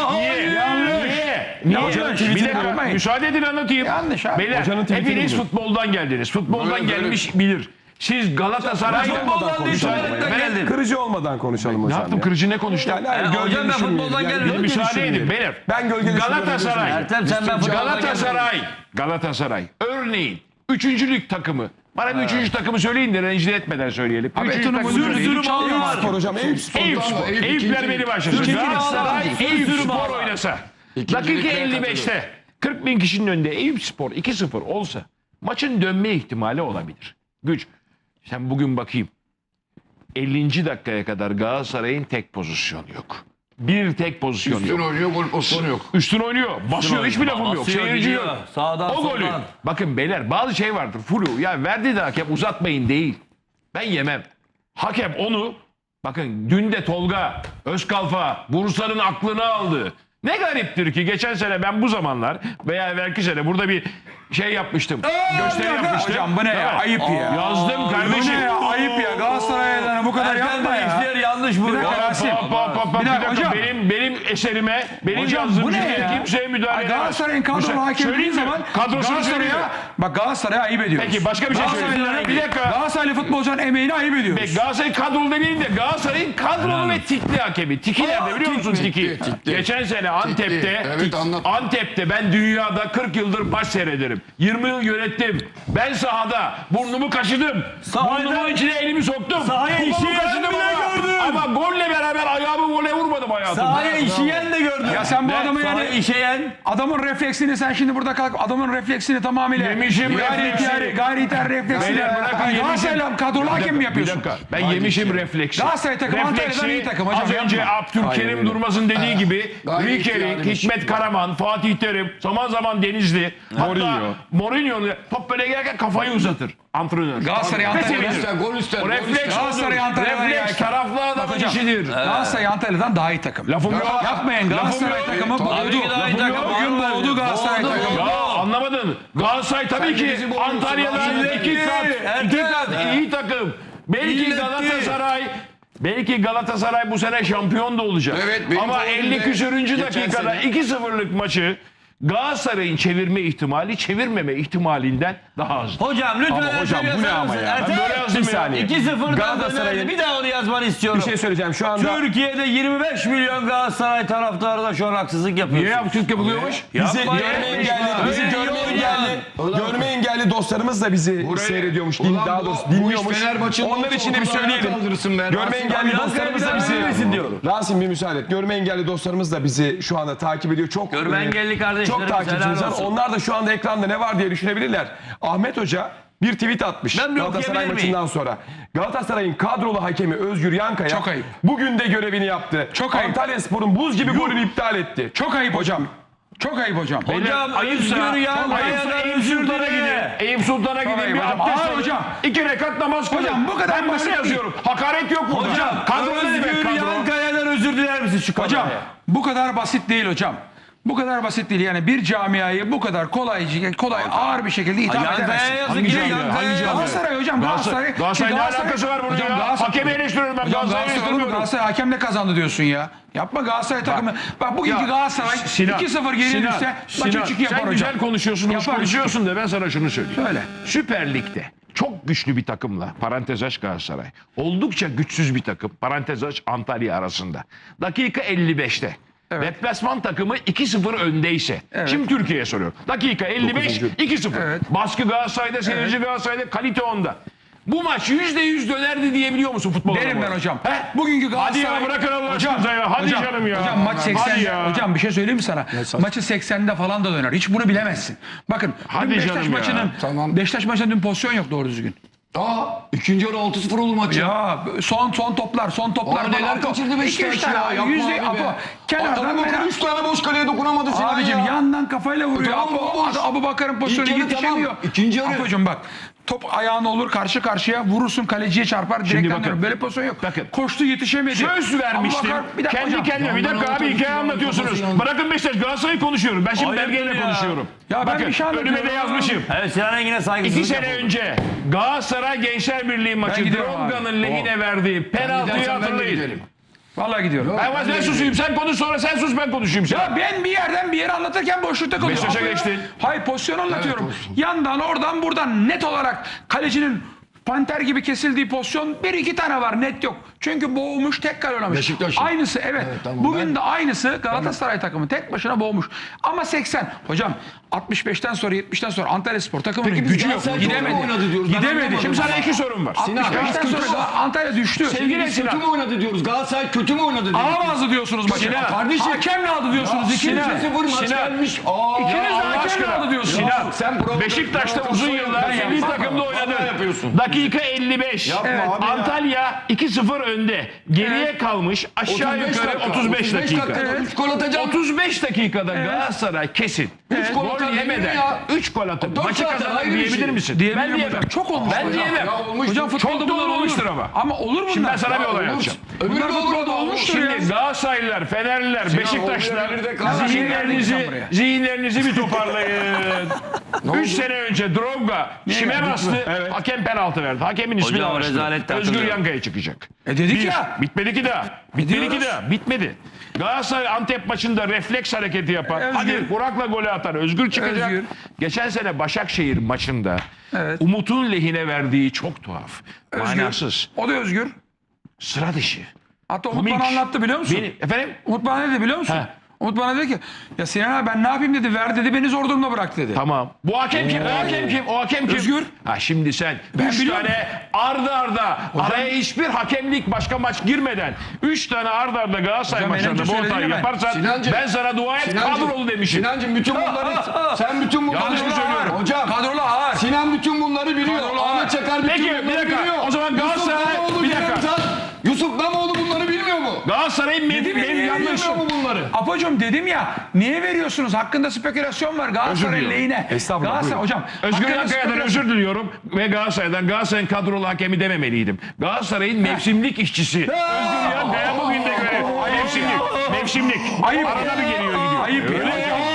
[SPEAKER 2] Niye?
[SPEAKER 5] Yanlış.
[SPEAKER 2] Bir dakika.
[SPEAKER 5] Yapmayın.
[SPEAKER 2] Müsaade edin anlatayım.
[SPEAKER 5] Yanlış abi.
[SPEAKER 2] Beyler
[SPEAKER 1] Hocanın tweetini
[SPEAKER 2] hepiniz
[SPEAKER 1] buldum.
[SPEAKER 2] futboldan geldiniz. Futboldan
[SPEAKER 4] Böyle.
[SPEAKER 2] gelmiş bilir. Siz Galatasaray...
[SPEAKER 3] Futboldan değil, tuvaletten geldim.
[SPEAKER 1] Kırıcı olmadan konuşalım
[SPEAKER 2] Ne
[SPEAKER 1] hocam.
[SPEAKER 2] yaptım?
[SPEAKER 1] ya.
[SPEAKER 2] Kırıcı ne konuştum?
[SPEAKER 1] Yani hayır, gölge
[SPEAKER 3] hocam ben
[SPEAKER 1] düşürmeyelim.
[SPEAKER 3] futboldan gelmedim.
[SPEAKER 1] gölge
[SPEAKER 2] Müsaade
[SPEAKER 1] düşürmeyelim.
[SPEAKER 2] edin beyler.
[SPEAKER 1] Ben gölge
[SPEAKER 2] Galatasaray.
[SPEAKER 3] Ertem sen ben futboldan gelmedim.
[SPEAKER 2] Galatasaray. Örneğin 3. lig takımı. Bana bir 3. takımı söyleyin de rencide etmeden söyleyelim. Üçüncü
[SPEAKER 5] Eton'un
[SPEAKER 2] takımı
[SPEAKER 5] sürü
[SPEAKER 2] söyleyin.
[SPEAKER 5] sürü malı var.
[SPEAKER 1] Spor hocam. Eyüp Spor.
[SPEAKER 2] Eyüp Spor. Eyüpler beni başlasın. Galatasaray Eyüp Spor oynasa. Dakika 55'te 40 bin kişinin önünde Eyüp Spor 2-0 olsa maçın dönme ihtimali olabilir. Güç. Sen bugün bakayım. 50. dakikaya kadar Galatasaray'ın tek pozisyonu yok. Bir tek pozisyon
[SPEAKER 4] Üstün
[SPEAKER 2] yok.
[SPEAKER 4] oynuyor gol pozisyonu yok.
[SPEAKER 2] Üstün oynuyor. Basıyor. Hiçbir lafım yok.
[SPEAKER 3] Basıyor,
[SPEAKER 2] Seyirci
[SPEAKER 3] gidiyor.
[SPEAKER 2] yok.
[SPEAKER 3] Sağdan,
[SPEAKER 2] O golü.
[SPEAKER 3] soldan.
[SPEAKER 2] Bakın beyler bazı şey vardır. Flu. Ya verdi de hakem uzatmayın değil. Ben yemem. Hakem onu bakın dün de Tolga Özkalfa Bursa'nın aklını aldı. Ne gariptir ki geçen sene ben bu zamanlar veya evvelki sene burada bir şey yapmıştım. Gösteri yapmıştım.
[SPEAKER 5] Hocam bu ne ya?
[SPEAKER 2] Evet.
[SPEAKER 5] Ayıp ya.
[SPEAKER 2] Yazdım
[SPEAKER 5] Bu
[SPEAKER 2] kardeşim.
[SPEAKER 5] ne ya? Ayıp ya. Galatasaray'dan bu kadar
[SPEAKER 3] Ertem
[SPEAKER 5] yapma
[SPEAKER 3] Bey
[SPEAKER 5] ya.
[SPEAKER 3] işler yanlış bu.
[SPEAKER 5] Bir dakika,
[SPEAKER 3] Ya.
[SPEAKER 5] Rasim.
[SPEAKER 2] Bir
[SPEAKER 5] Bir dakika,
[SPEAKER 2] dakika
[SPEAKER 5] hocam.
[SPEAKER 2] benim eserime benim
[SPEAKER 5] Hocam
[SPEAKER 2] yazdığım
[SPEAKER 5] bu ne
[SPEAKER 2] cümleye
[SPEAKER 5] ya?
[SPEAKER 2] kimseye müdahale
[SPEAKER 5] Ay,
[SPEAKER 2] edemez.
[SPEAKER 5] Galatasaray'ın kadrolu hakem dediğin
[SPEAKER 2] Söyleyeyim mi?
[SPEAKER 5] zaman
[SPEAKER 2] Kadrosunu söyleyeyim mi?
[SPEAKER 5] Galatasaray'a ayıp ediyoruz.
[SPEAKER 2] Peki başka bir şey söyleyeyim.
[SPEAKER 5] Galatasaraylılara-
[SPEAKER 2] Bir dakika.
[SPEAKER 5] Galatasaraylı futbolcuların emeğini ayıp ediyoruz.
[SPEAKER 2] Peki Galatasaray kadrolu demeyelim de Galatasaray'ın kadrolu ve tikli hakemi. Tiki nerede biliyor musun Tiki?
[SPEAKER 4] Tikli.
[SPEAKER 2] Geçen sene Antep'te
[SPEAKER 4] Evet, anlat.
[SPEAKER 2] Antep'te ben dünyada 40 yıldır maç seyrederim. 20 yıl yönettim. Ben sahada burnumu kaşıdım.
[SPEAKER 3] Sahada-
[SPEAKER 2] Burnumun içine elimi soktum.
[SPEAKER 3] Sahaya
[SPEAKER 2] Kolumu
[SPEAKER 3] işeyen
[SPEAKER 2] kaşıdım
[SPEAKER 3] bile
[SPEAKER 2] ama
[SPEAKER 3] gördüm.
[SPEAKER 2] Ama golle beraber ayağımı gole vurmadım hayatımda.
[SPEAKER 3] Sahaya işeyen de gördüm.
[SPEAKER 5] Ya sen bu adamı
[SPEAKER 3] Sahaya
[SPEAKER 5] yani
[SPEAKER 3] işeyen.
[SPEAKER 5] adamın refleksini sen şimdi burada kalk adamın refleksini tamamıyla
[SPEAKER 2] Yemişim refleksi.
[SPEAKER 5] gayri ihtiyar refleksini.
[SPEAKER 2] Beyler bırakın,
[SPEAKER 5] Hani
[SPEAKER 2] yemişim.
[SPEAKER 5] Galatasaray'la kadrolu hakem mi yapıyorsun?
[SPEAKER 2] Bir dakika. Ben yemişim refleksi.
[SPEAKER 5] Galatasaray takımı Antalya'dan iyi takım hocam.
[SPEAKER 2] Az önce
[SPEAKER 5] yapma.
[SPEAKER 2] Abdülkerim Durmaz'ın dediği gibi
[SPEAKER 4] gayet
[SPEAKER 2] Rikerik,
[SPEAKER 4] ihtiyarıymış.
[SPEAKER 2] Hikmet Karaman, Fatih Terim, zaman zaman Denizli, Mourinho top böyle gelirken kafayı uzatır antrenör.
[SPEAKER 5] Galatasaray Antalya'dan
[SPEAKER 4] Gol ister.
[SPEAKER 2] O refleks
[SPEAKER 5] Galatasaray
[SPEAKER 2] odur.
[SPEAKER 5] Antalya'dan
[SPEAKER 2] Refleks
[SPEAKER 5] ya.
[SPEAKER 2] taraflı adamın
[SPEAKER 5] hocam.
[SPEAKER 2] işidir.
[SPEAKER 5] Galatasaray Antalya'dan daha iyi takım.
[SPEAKER 2] Lafım yok.
[SPEAKER 5] Yapmayın Galatasaray
[SPEAKER 2] Lafım yok.
[SPEAKER 5] takımı
[SPEAKER 3] Tabii
[SPEAKER 5] boğdu.
[SPEAKER 3] ki daha iyi takım.
[SPEAKER 5] Bugün boğdu Galatasaray
[SPEAKER 4] Boğdu,
[SPEAKER 5] takımı.
[SPEAKER 2] Ya anlamadın. Galatasaray tabii
[SPEAKER 4] Sen
[SPEAKER 2] ki
[SPEAKER 4] bizi boğuyorsun.
[SPEAKER 2] Antalya'dan
[SPEAKER 4] Ertem.
[SPEAKER 2] iki kat iyi takım. Belki Galatasaray bu sene şampiyon da olacak.
[SPEAKER 4] Evet, benim
[SPEAKER 2] ama
[SPEAKER 4] favorim
[SPEAKER 2] 50
[SPEAKER 4] de
[SPEAKER 2] küsürüncü
[SPEAKER 4] geçen
[SPEAKER 2] dakikada
[SPEAKER 4] sene.
[SPEAKER 2] 2-0'lık maçı Galatasaray'ın çevirme ihtimali çevirmeme ihtimalinden daha az.
[SPEAKER 3] Hocam lütfen
[SPEAKER 1] Ama hocam, bu ne ama ya?
[SPEAKER 2] Ben böyle yazdım
[SPEAKER 1] Bir
[SPEAKER 2] ya.
[SPEAKER 1] saniye.
[SPEAKER 3] 2-0'dan
[SPEAKER 1] Galatasaray'ın-
[SPEAKER 3] dönerdi. Bir daha onu yazmanı istiyorum.
[SPEAKER 1] Bir şey söyleyeceğim şu anda.
[SPEAKER 3] Türkiye'de 25 milyon Galatasaray taraftarı da şu an haksızlık yapıyor.
[SPEAKER 2] Niye yaptık yapılıyormuş?
[SPEAKER 1] Bizi
[SPEAKER 3] Yapma
[SPEAKER 1] görme
[SPEAKER 3] ya.
[SPEAKER 1] engelli, bizi
[SPEAKER 3] Öyle
[SPEAKER 1] görme
[SPEAKER 3] yok
[SPEAKER 1] engelli, görme engelli dostlarımız da bizi seyrediyormuş, daha doğrusu dinliyormuş. Onlar için de bir söyleyelim. Görme engelli
[SPEAKER 3] Abi,
[SPEAKER 1] dostlarımız da
[SPEAKER 3] Yankı
[SPEAKER 1] bizi
[SPEAKER 3] vermesin diyorum.
[SPEAKER 1] Rasim bir müsaade et. Görme engelli dostlarımız da bizi şu anda takip ediyor. Çok
[SPEAKER 3] Görme engelli kardeşlerimiz,
[SPEAKER 1] çok takipçimiz
[SPEAKER 3] helal
[SPEAKER 1] var.
[SPEAKER 3] olsun.
[SPEAKER 1] Onlar da şu anda ekranda ne var diye düşünebilirler. Ahmet Hoca bir tweet atmış
[SPEAKER 3] Ben bir
[SPEAKER 1] Galatasaray
[SPEAKER 3] okuyabilir
[SPEAKER 1] maçından sonra. Galatasaray'ın kadrolu hakemi Özgür Yankaya
[SPEAKER 5] Çok ayıp.
[SPEAKER 1] bugün de görevini yaptı.
[SPEAKER 5] Çok ayıp.
[SPEAKER 1] Antalyaspor'un buz gibi golünü iptal etti.
[SPEAKER 5] Çok ayıp hocam. Çok ayıp hocam.
[SPEAKER 3] Hocam
[SPEAKER 2] Ayıpsa
[SPEAKER 3] Özgür Yankaya'dan
[SPEAKER 2] Eyüp
[SPEAKER 3] özür
[SPEAKER 2] Sultan'a
[SPEAKER 3] dile.
[SPEAKER 2] gidin. Eyüp Sultan'a gidin
[SPEAKER 5] ayıp
[SPEAKER 2] bir
[SPEAKER 5] hocam.
[SPEAKER 2] abdest
[SPEAKER 5] Aa,
[SPEAKER 2] alın.
[SPEAKER 5] hocam.
[SPEAKER 2] 2 rekat namaz kılın.
[SPEAKER 5] Hocam, bu kadar
[SPEAKER 2] ben
[SPEAKER 5] basit
[SPEAKER 2] böyle
[SPEAKER 5] değil.
[SPEAKER 2] yazıyorum. Hakaret yok burada.
[SPEAKER 3] Hocam
[SPEAKER 2] Kadro ne demek
[SPEAKER 3] Özgür
[SPEAKER 2] kadro?
[SPEAKER 3] Yankaya'dan özür diler misin şu kadroya?
[SPEAKER 5] Hocam bu kadar basit değil hocam. Bu kadar basit değil yani bir camiayı bu kadar kolay ağır bir şekilde itham
[SPEAKER 3] Yankaya
[SPEAKER 5] edemezsin.
[SPEAKER 3] yazık
[SPEAKER 2] Hangi
[SPEAKER 3] ki
[SPEAKER 2] camia?
[SPEAKER 3] Yankaya
[SPEAKER 2] Hangi
[SPEAKER 3] yazık.
[SPEAKER 2] camia?
[SPEAKER 5] Galatasaray hocam Galatasaray.
[SPEAKER 2] Galatasaray ne alakası var burada
[SPEAKER 5] Hocam,
[SPEAKER 2] ya?
[SPEAKER 5] Galatasaray-
[SPEAKER 2] Hakemi eleştiriyorum ben.
[SPEAKER 5] Hocam
[SPEAKER 2] Galatasaray'ı
[SPEAKER 5] Galatasaray,
[SPEAKER 2] eleştirmiyorum.
[SPEAKER 5] Galatasaray hakemle kazandı diyorsun ya. Yapma Galatasaray takımı. Bak bugünkü
[SPEAKER 2] Ya,
[SPEAKER 5] Galatasaray
[SPEAKER 2] Sinan,
[SPEAKER 5] 2-0 geri
[SPEAKER 2] Sinan,
[SPEAKER 5] düşse
[SPEAKER 2] Sinan,
[SPEAKER 5] maç 3-2 yapar
[SPEAKER 2] sen
[SPEAKER 5] hocam.
[SPEAKER 2] güzel konuşuyorsun, hoş
[SPEAKER 5] Yapar.
[SPEAKER 2] konuşuyorsun da ben sana şunu söyleyeyim.
[SPEAKER 5] Söyle.
[SPEAKER 2] Süper Lig'de çok güçlü bir takımla parantez aç Galatasaray. Oldukça güçsüz bir takım parantez aç Antalya arasında. Dakika 55'te.
[SPEAKER 5] Evet.
[SPEAKER 2] Deplasman takımı 2-0 öndeyse. Şimdi Türkiye'ye soruyorum. Dakika 55 2-0.
[SPEAKER 5] Evet.
[SPEAKER 2] Baskı Galatasaray'da, seyirci Galatasaray'da, kalite onda. Bu maç %100 dönerdi diyebiliyor musun futbol
[SPEAKER 5] Derim
[SPEAKER 2] adamı?
[SPEAKER 5] ben hocam.
[SPEAKER 2] He?
[SPEAKER 5] Bugünkü
[SPEAKER 2] Hadi
[SPEAKER 5] Galatasaray...
[SPEAKER 2] ya bırakın Allah aşkınıza ya. Hadi
[SPEAKER 5] hocam,
[SPEAKER 2] canım ya.
[SPEAKER 5] Hocam maç 80'de.
[SPEAKER 2] Hadi ya.
[SPEAKER 5] Hocam bir şey söyleyeyim mi sana? Maçı 80'de falan da döner. Hiç bunu bilemezsin. Bakın
[SPEAKER 2] Hadi
[SPEAKER 5] dün Beşiktaş
[SPEAKER 2] canım ya.
[SPEAKER 5] maçının
[SPEAKER 4] Tamam.
[SPEAKER 5] Beşiktaş maçında dün pozisyon yok doğru düzgün.
[SPEAKER 4] İkinci yarı 6-0 oldu maç ya.
[SPEAKER 5] Ya son toplar.
[SPEAKER 4] Abi neler kaçırdı Beşiktaş ya. Yapma abi be.
[SPEAKER 5] Kenardan
[SPEAKER 4] Adamı bakın 3 tane boş kaleye dokunamadı Sinan
[SPEAKER 5] Abicim
[SPEAKER 4] ya.
[SPEAKER 5] yandan kafayla vuruyor.
[SPEAKER 4] Tamam, bomboş.
[SPEAKER 5] Abu Bakar'ın pozisyonu
[SPEAKER 4] İlk yarı
[SPEAKER 5] yetişemiyor.
[SPEAKER 4] tamam. İkinci yarı.
[SPEAKER 5] Apocuğum bak. Top ayağına olur karşı karşıya vurursun kaleciye çarpar direkten
[SPEAKER 2] bakın.
[SPEAKER 5] döner. Böyle pozisyon yok.
[SPEAKER 2] Bakın.
[SPEAKER 5] Koştu yetişemedi.
[SPEAKER 2] Söz vermiştim.
[SPEAKER 5] Abubakar, bir dakika
[SPEAKER 2] Kendi
[SPEAKER 5] hocam.
[SPEAKER 2] kendime. Bir dakika abi hikaye anlatıyorsunuz. Bırakın Beşiktaş Galatasaray'ı konuşuyorum. Ben şimdi
[SPEAKER 3] Ayıp
[SPEAKER 2] belgeyle
[SPEAKER 3] ya.
[SPEAKER 2] konuşuyorum.
[SPEAKER 5] Ya ben
[SPEAKER 2] Bakın
[SPEAKER 5] bir şey
[SPEAKER 2] önüme de
[SPEAKER 5] anlatıyorum.
[SPEAKER 2] yazmışım.
[SPEAKER 3] Evet Sinan Engin'e saygısızlık
[SPEAKER 2] 2 sene
[SPEAKER 3] yapıldı.
[SPEAKER 2] önce Galatasaray Gençler Birliği maçı
[SPEAKER 5] gidiyorum abi.
[SPEAKER 2] Dronga'nın lehine verdiği penaltıyı
[SPEAKER 4] Gidersen ben de
[SPEAKER 2] hatırlayın.
[SPEAKER 4] giderim.
[SPEAKER 5] Vallahi gidiyorum.
[SPEAKER 2] Ben susayım sen konuş sonra sen sus ben konuşayım. Sen.
[SPEAKER 5] Ya ben bir yerden bir yere anlatırken boşlukta kalıyorum.
[SPEAKER 2] Beşiktaş'a
[SPEAKER 5] Apo'ya-
[SPEAKER 2] geçtin.
[SPEAKER 5] Hayır pozisyon anlatıyorum.
[SPEAKER 4] olsun.
[SPEAKER 5] Yandan oradan buradan net olarak kalecinin panter gibi kesildiği pozisyon bir iki tane var net yok. Çünkü boğmuş tek kale oynamış.
[SPEAKER 4] Beşiktaş'ın.
[SPEAKER 5] Aynısı evet.
[SPEAKER 4] tamam,
[SPEAKER 5] Bugün
[SPEAKER 4] ben-
[SPEAKER 5] de aynısı Galatasaray takımı tek başına boğmuş. Ama 80. Hocam 65'ten sonra 70'ten sonra Antalyaspor takımının
[SPEAKER 4] Peki biz
[SPEAKER 5] gücü yok.
[SPEAKER 4] Galatasaray çok mu
[SPEAKER 5] Gidemedi.
[SPEAKER 4] oynadı diyoruz? Ben
[SPEAKER 5] Gidemedi.
[SPEAKER 4] anlamadım.
[SPEAKER 2] Şimdi sana 2 sorum var.
[SPEAKER 4] Sinan,
[SPEAKER 5] 65'ten
[SPEAKER 4] biz kötü
[SPEAKER 5] sonra
[SPEAKER 4] mü-
[SPEAKER 5] Antalya düştü.
[SPEAKER 2] Sevgili
[SPEAKER 4] Biz kötü
[SPEAKER 2] Sinan.
[SPEAKER 4] mü oynadı diyoruz? Galatasaray kötü mü oynadı diyoruz?
[SPEAKER 5] Alamazdı diyorsunuz maçı.
[SPEAKER 2] Sinan.
[SPEAKER 4] Kardeşim.
[SPEAKER 5] Hakemle aldı diyorsunuz. İkiniz
[SPEAKER 2] Sinan.
[SPEAKER 5] de.
[SPEAKER 4] 0 maç
[SPEAKER 2] Sinan.
[SPEAKER 4] gelmiş.
[SPEAKER 5] İkiniz de
[SPEAKER 2] Allah
[SPEAKER 5] hakemle
[SPEAKER 2] aşkına.
[SPEAKER 5] aldı diyorsunuz.
[SPEAKER 2] Sinan,
[SPEAKER 4] sen provoka-
[SPEAKER 2] Beşiktaş'ta
[SPEAKER 4] provoka-
[SPEAKER 2] uzun yıllar
[SPEAKER 4] Ben
[SPEAKER 2] milli
[SPEAKER 4] yapmam.
[SPEAKER 2] takımda
[SPEAKER 4] Vallahi
[SPEAKER 2] oynadın.
[SPEAKER 4] yapıyorsun.
[SPEAKER 2] Dakika 55.
[SPEAKER 4] Yapma
[SPEAKER 5] Evet.
[SPEAKER 4] abi ya.
[SPEAKER 2] Antalya 2-0 önde. Geriye kalmış aşağı
[SPEAKER 4] 35
[SPEAKER 2] yukarı
[SPEAKER 4] dakika,
[SPEAKER 2] 35 dakika.
[SPEAKER 4] dakikada 3 gol atacağım.
[SPEAKER 2] 35 dakikada Galatasaray kesin.
[SPEAKER 4] Üç gol
[SPEAKER 2] Gol
[SPEAKER 4] atar
[SPEAKER 2] yemeden
[SPEAKER 4] demiyor ya.
[SPEAKER 2] 3 gol atıp
[SPEAKER 4] Dört
[SPEAKER 2] maçı
[SPEAKER 4] zaten
[SPEAKER 2] kazanır
[SPEAKER 4] ayrı bir
[SPEAKER 2] diyebilir
[SPEAKER 4] şey.
[SPEAKER 2] misin?
[SPEAKER 5] Diyemiyorum
[SPEAKER 2] Ben diyemem.
[SPEAKER 5] hocam. Çok olmuş
[SPEAKER 2] Ben
[SPEAKER 5] hocam.
[SPEAKER 2] diyemem.
[SPEAKER 4] Ya olmuş.
[SPEAKER 5] Hocam futbolda
[SPEAKER 2] Çok da
[SPEAKER 5] bunlar
[SPEAKER 2] olmuştur
[SPEAKER 5] olur.
[SPEAKER 2] ama.
[SPEAKER 5] Olur bunlar.
[SPEAKER 2] Şimdi ben sana bir olay
[SPEAKER 4] Olur.
[SPEAKER 2] anlatacağım.
[SPEAKER 4] Öbürü
[SPEAKER 5] Bunlar
[SPEAKER 4] de olur
[SPEAKER 5] futbolda
[SPEAKER 4] ama
[SPEAKER 5] olmuştur ya.
[SPEAKER 2] Şimdi Galatasaraylılar, Fenerliler, Beşiktaşlılar
[SPEAKER 4] olmuyor, bir de kalsın.
[SPEAKER 2] zihinlerinizi bir toparlayın. 3 sene önce Drogba şime bastı. Hakem penaltı verdi. Hakemin ismini
[SPEAKER 3] Hocam,
[SPEAKER 2] almıştı.
[SPEAKER 3] rezalette
[SPEAKER 2] Özgür
[SPEAKER 3] hatırlıyorum.
[SPEAKER 2] Yankaya çıkacak.
[SPEAKER 5] Dedik ya.
[SPEAKER 2] Bitmedi ki daha. Bitmedi ki
[SPEAKER 5] Diyoruz.
[SPEAKER 2] daha. Bitmedi. Galatasaray Antep maçında refleks hareketi yapan.
[SPEAKER 5] Özgür.
[SPEAKER 2] Hadi Burak'la golü atan Özgür çıkacak.
[SPEAKER 5] Özgür.
[SPEAKER 2] Geçen sene Başakşehir maçında
[SPEAKER 5] Evet.
[SPEAKER 2] Umut'un lehine verdiği çok tuhaf.
[SPEAKER 5] Özgür.
[SPEAKER 2] Manasız.
[SPEAKER 5] O da Özgür.
[SPEAKER 2] Sıra dışı.
[SPEAKER 5] Hatta Umut
[SPEAKER 2] Komik.
[SPEAKER 5] bana anlattı biliyor musun?
[SPEAKER 2] Efendim?
[SPEAKER 5] Umut bana ne dedi biliyor musun?
[SPEAKER 2] He.
[SPEAKER 5] Umut bana dedi ki ya Sinan abi ben ne yapayım dedi. Ver dedi beni zor durumda bırak dedi.
[SPEAKER 2] Tamam. Bu hakem kim? O hakem kim? O hakem kim?
[SPEAKER 5] Özgür.
[SPEAKER 2] Ha şimdi sen
[SPEAKER 5] Ben
[SPEAKER 2] 3
[SPEAKER 5] biliyorum.
[SPEAKER 2] tane arda arda araya hiçbir hakemlik başka maç girmeden 3 tane arda arda Galatasaray
[SPEAKER 5] Hocam,
[SPEAKER 2] maçlarında
[SPEAKER 5] önce
[SPEAKER 2] bu hatayı
[SPEAKER 5] söyledim ben.
[SPEAKER 2] yaparsan
[SPEAKER 4] Sinancım,
[SPEAKER 2] ben sana dua et kadrolu demişim.
[SPEAKER 4] Sinancım bütün bunları sen bütün bunları
[SPEAKER 2] Yanlış mı söylüyorum?
[SPEAKER 4] Hocam
[SPEAKER 5] Kadrolu ağır.
[SPEAKER 4] Sinan bütün bunları biliyor.
[SPEAKER 5] Kadrolu
[SPEAKER 4] Ahmet
[SPEAKER 5] ağır.
[SPEAKER 4] Çakar bütün
[SPEAKER 2] Peki,
[SPEAKER 4] bunları
[SPEAKER 2] bir dakika.
[SPEAKER 4] biliyor.
[SPEAKER 2] O zaman
[SPEAKER 4] Yusuf
[SPEAKER 2] Galatasaray-
[SPEAKER 4] Namoğlu,
[SPEAKER 2] bir dakika.
[SPEAKER 4] Cem Can, Yusuf Namoğlu bunları bilmiyor mu?
[SPEAKER 2] Galatasaray'ın benim yanlış.
[SPEAKER 4] Bilmiyor mu bunları?
[SPEAKER 5] Apocuğum dedim ya niye veriyorsunuz? Hakkında spekülasyon var Galatasaray
[SPEAKER 2] Özür
[SPEAKER 5] lehine.
[SPEAKER 1] Estağfurullah,
[SPEAKER 5] Galatasaray
[SPEAKER 1] buyurun.
[SPEAKER 5] hocam.
[SPEAKER 2] Özgür
[SPEAKER 5] hakkında
[SPEAKER 2] Yankaya'dan
[SPEAKER 5] spekülasyon-
[SPEAKER 2] özür diliyorum ve Galatasaray'ın kadrolu hakemi dememeliydim. Galatasaray'ın mevsimlik işçisi. Özgür Yankaya bugün de göre. Mevsimlik.
[SPEAKER 5] Ayıp.
[SPEAKER 2] Arada bir geliyor gidiyor.
[SPEAKER 5] Ayıp ya.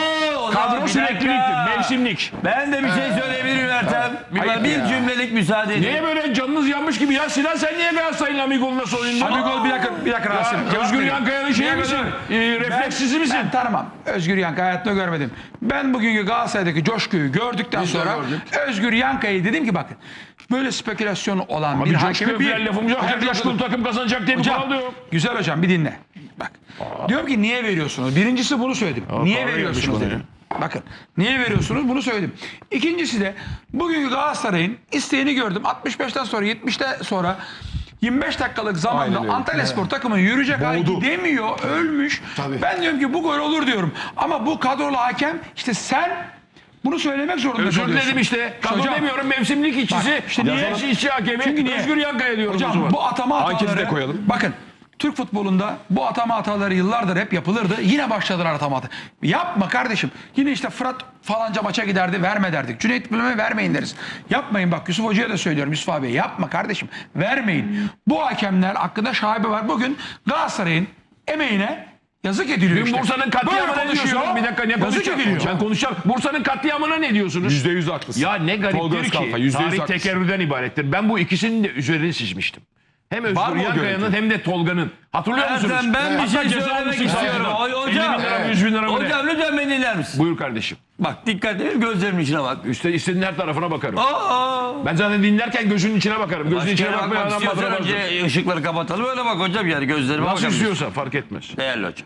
[SPEAKER 2] Kadro sürekliliktir. Mevsimlik.
[SPEAKER 3] Ben de bir şey söyleyebilirim Ertem. Bir cümlelik müsaade edin.
[SPEAKER 2] Niye böyle canınız yanmış gibi ya? Sinan sen niye Galatasaray'ın Amigol'una soyundun?
[SPEAKER 5] Amigol bir dakika Rasim. Cevap
[SPEAKER 2] Özgür
[SPEAKER 5] vereyim.
[SPEAKER 2] Yankaya'nın şeyi
[SPEAKER 5] Bir
[SPEAKER 2] misin?
[SPEAKER 5] dakika.
[SPEAKER 2] Refleksizi misin?
[SPEAKER 5] Ben tanımam. Özgür Yankı hayatta görmedim. Ben bugünkü Galatasaray'daki coşkuyu gördükten
[SPEAKER 4] Biz de
[SPEAKER 5] sonra
[SPEAKER 4] gördük.
[SPEAKER 5] Özgür Yankı'yı dedim ki bakın böyle spekülasyonu olan
[SPEAKER 2] Abi
[SPEAKER 5] bir
[SPEAKER 2] coşkuya
[SPEAKER 5] hakemi
[SPEAKER 2] falan lafımız yok. Her
[SPEAKER 5] Hocam,
[SPEAKER 2] coşkulu takım kazanacak diye bir
[SPEAKER 5] Hocam,
[SPEAKER 2] kural da yok.
[SPEAKER 5] güzel hocam bir dinle. Bak. Diyorum ki niye veriyorsunuz? Birincisi bunu söyledim. Niye
[SPEAKER 2] kahve
[SPEAKER 5] veriyorsunuz
[SPEAKER 2] gelmiş bana
[SPEAKER 5] dedim. Bakın niye veriyorsunuz bunu söyledim. İkincisi de bugünkü Galatasaray'ın isteğini gördüm. 65'ten sonra 70'te sonra 25 dakikalık zamanda
[SPEAKER 1] Aynen öyle.
[SPEAKER 5] Antalyaspor takımı yürüyecek hale
[SPEAKER 1] Boğdu.
[SPEAKER 5] gidemiyor, ölmüş.
[SPEAKER 4] Tabii.
[SPEAKER 5] Ben diyorum ki bu gol olur diyorum. Ama bu kadrolu hakem işte sen bunu söylemek zorunda
[SPEAKER 2] Özür
[SPEAKER 5] kalıyorsun.
[SPEAKER 2] dilerim işte. Kadro
[SPEAKER 5] Hocam,
[SPEAKER 2] demiyorum mevsimlik işçisi.
[SPEAKER 5] Bak, işte niye?
[SPEAKER 2] İşçi hakemi.
[SPEAKER 5] Çünkü niye?
[SPEAKER 2] Özgür Yankaya diyorum o zaman.
[SPEAKER 5] Hocam bu atama
[SPEAKER 1] Anketi de
[SPEAKER 5] hataları
[SPEAKER 1] koyalım.
[SPEAKER 5] bakın Türk futbolunda bu atama hataları yıllardır hep yapılırdı. Yine başladılar atama hataları. Yapma kardeşim. Yine işte Fırat falanca maça giderdi verme derdik. Cüneyt Bülent'e vermeyin deriz. Yapmayın bak Yusuf Hoca'ya da söylüyorum Yusuf abi yapma kardeşim. Vermeyin. Bu hakemler hakkında şaibe var. Bugün Galatasaray'ın emeğine yazık ediliyor
[SPEAKER 2] Dün
[SPEAKER 5] işte.
[SPEAKER 2] Bursa'nın
[SPEAKER 5] Böyle
[SPEAKER 2] katliamına ne
[SPEAKER 5] konuşuyor.
[SPEAKER 2] diyorsunuz? Bir dakika ne
[SPEAKER 5] Yazık
[SPEAKER 2] konuşacağım?
[SPEAKER 5] ediliyor.
[SPEAKER 2] Ben konuşacağım. Bursa'nın katliamına ne diyorsunuz?
[SPEAKER 1] %100 haklısın.
[SPEAKER 2] Ya ne
[SPEAKER 1] Tolga
[SPEAKER 2] gariptir
[SPEAKER 1] Özkalfa,
[SPEAKER 2] ki
[SPEAKER 1] %100
[SPEAKER 2] tarih
[SPEAKER 1] haklısın.
[SPEAKER 2] tekerrürden ibarettir. Ben bu ikisinin de üzerini çizmiştim. Hem
[SPEAKER 1] Var
[SPEAKER 2] Özgür
[SPEAKER 1] mı o
[SPEAKER 2] Yankaya'nın
[SPEAKER 1] görüntü?
[SPEAKER 2] hem de Tolga'nın. Hatırlıyor musunuz?
[SPEAKER 3] Ertem ben bir
[SPEAKER 2] Hatta
[SPEAKER 3] şey
[SPEAKER 2] ceza
[SPEAKER 3] söylemek
[SPEAKER 2] almışsın
[SPEAKER 3] istiyorum.
[SPEAKER 2] sahiden. 50
[SPEAKER 3] Hocam,
[SPEAKER 2] bin lira mı 100 bin lira mı ne?
[SPEAKER 3] hocam lütfen beni dinler misin?
[SPEAKER 2] Buyur kardeşim.
[SPEAKER 3] Bak dikkat edin gözlerimin içine bak.
[SPEAKER 2] İstediğin her tarafına bakarım.
[SPEAKER 3] Aa.
[SPEAKER 2] Ben zaten dinlerken gözünün içine bakarım. Gözünün içine
[SPEAKER 3] Başka
[SPEAKER 2] bakmayan
[SPEAKER 3] bakmak
[SPEAKER 2] adam
[SPEAKER 3] istiyorsan
[SPEAKER 2] bakamazdır.
[SPEAKER 3] önce ışıkları kapatalım öyle bak hocam yani gözlerime
[SPEAKER 2] Nasıl
[SPEAKER 3] bakabilirsin.
[SPEAKER 2] istiyorsa fark etmez.
[SPEAKER 3] Değerli hocam.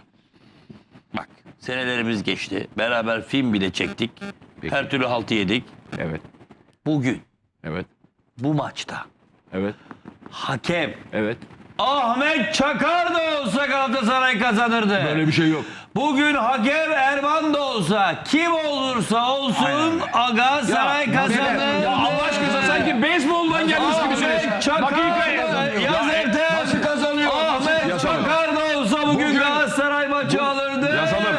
[SPEAKER 3] Bak senelerimiz geçti. Beraber film bile çektik.
[SPEAKER 2] Peki.
[SPEAKER 3] Her türlü haltı yedik.
[SPEAKER 2] Evet.
[SPEAKER 3] Bugün
[SPEAKER 2] Evet.
[SPEAKER 3] bu maçta
[SPEAKER 2] Evet.
[SPEAKER 3] hakem
[SPEAKER 2] Evet.
[SPEAKER 3] Ahmet Çakar da olsa Galatasaray kazanırdı.
[SPEAKER 2] Böyle bir şey yok.
[SPEAKER 3] Bugün hakem Erman da olsa kim olursa olsun Galatasaray kazanır.
[SPEAKER 2] Ya Allah aşkına sanki beyzboldan gelmiş gibi söylüyorsun.
[SPEAKER 3] Ahmet Çakar
[SPEAKER 2] Dakikayı
[SPEAKER 3] yaz Ertem.
[SPEAKER 4] Nasıl kazanıyor?
[SPEAKER 3] Ahmet
[SPEAKER 1] Yazalım.
[SPEAKER 3] Çakar da olsa bugün Galatasaray maçı alırdı.
[SPEAKER 1] Yazalım.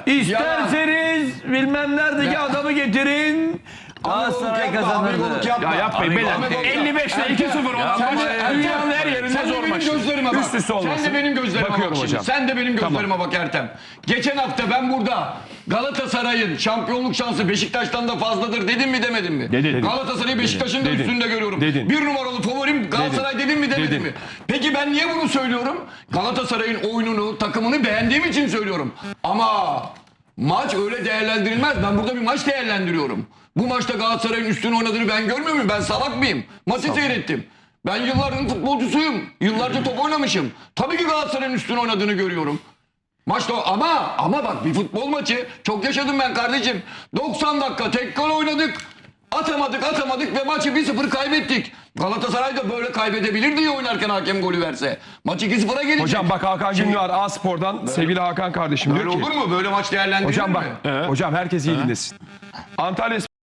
[SPEAKER 3] İsterseniz bilmem neredeki adamı getirin. Galatasaray kazanırdı.
[SPEAKER 2] Ya yapmayın beyler. 55'te 2-0 olan
[SPEAKER 4] Sen
[SPEAKER 2] maç
[SPEAKER 4] de-
[SPEAKER 2] dünyanın her yerinde
[SPEAKER 4] Sen de
[SPEAKER 2] zor
[SPEAKER 4] benim
[SPEAKER 2] maç.
[SPEAKER 4] gözlerime bak.
[SPEAKER 1] Üst üste olmasın.
[SPEAKER 4] Sen de benim gözlerime
[SPEAKER 1] Bakıyorum
[SPEAKER 4] bak şimdi.
[SPEAKER 1] hocam.
[SPEAKER 4] Sen de benim gözlerime bak Ertem. Geçen hafta ben burada Galatasaray'ın şampiyonluk şansı Beşiktaş'tan da fazladır dedim mi demedim mi?
[SPEAKER 2] Dedin.
[SPEAKER 4] Galatasaray'ı Beşiktaş'ın da
[SPEAKER 1] Dedin.
[SPEAKER 4] üstünde görüyorum.
[SPEAKER 1] Dedin.
[SPEAKER 4] Bir numaralı favorim Galatasaray dedim mi demedim
[SPEAKER 1] Dedin.
[SPEAKER 4] mi? Peki ben niye bunu söylüyorum? Galatasaray'ın oyununu, takımını beğendiğim için söylüyorum. Ama maç öyle değerlendirilmez. Ben burada bir maç değerlendiriyorum. Bu maçta Galatasaray'ın üstün oynadığını ben görmüyor muyum? Ben salak mıyım? Maçı seyrettim. Ben yılların futbolcusuyum. Yıllarca top oynamışım. Tabii ki Galatasaray'ın üstün oynadığını görüyorum. Maçta ama bak bir futbol maçı çok yaşadım ben kardeşim. 90 dakika tek gol oynadık. Atamadık ve maçı 1-0 kaybettik. Galatasaray da böyle kaybedebilir diye oynarken hakem golü verse. Maç 2-0'a gelecek.
[SPEAKER 1] Hocam bak Hakan Gündoğar A Spor'dan sevgili Hakan kardeşim
[SPEAKER 4] Böyle
[SPEAKER 1] diyor ki.
[SPEAKER 4] olur mu? Böyle maç değerlendirilir
[SPEAKER 1] Hocam
[SPEAKER 4] mi?
[SPEAKER 1] bak. Hocam herkes iyi dinlesin. Antalya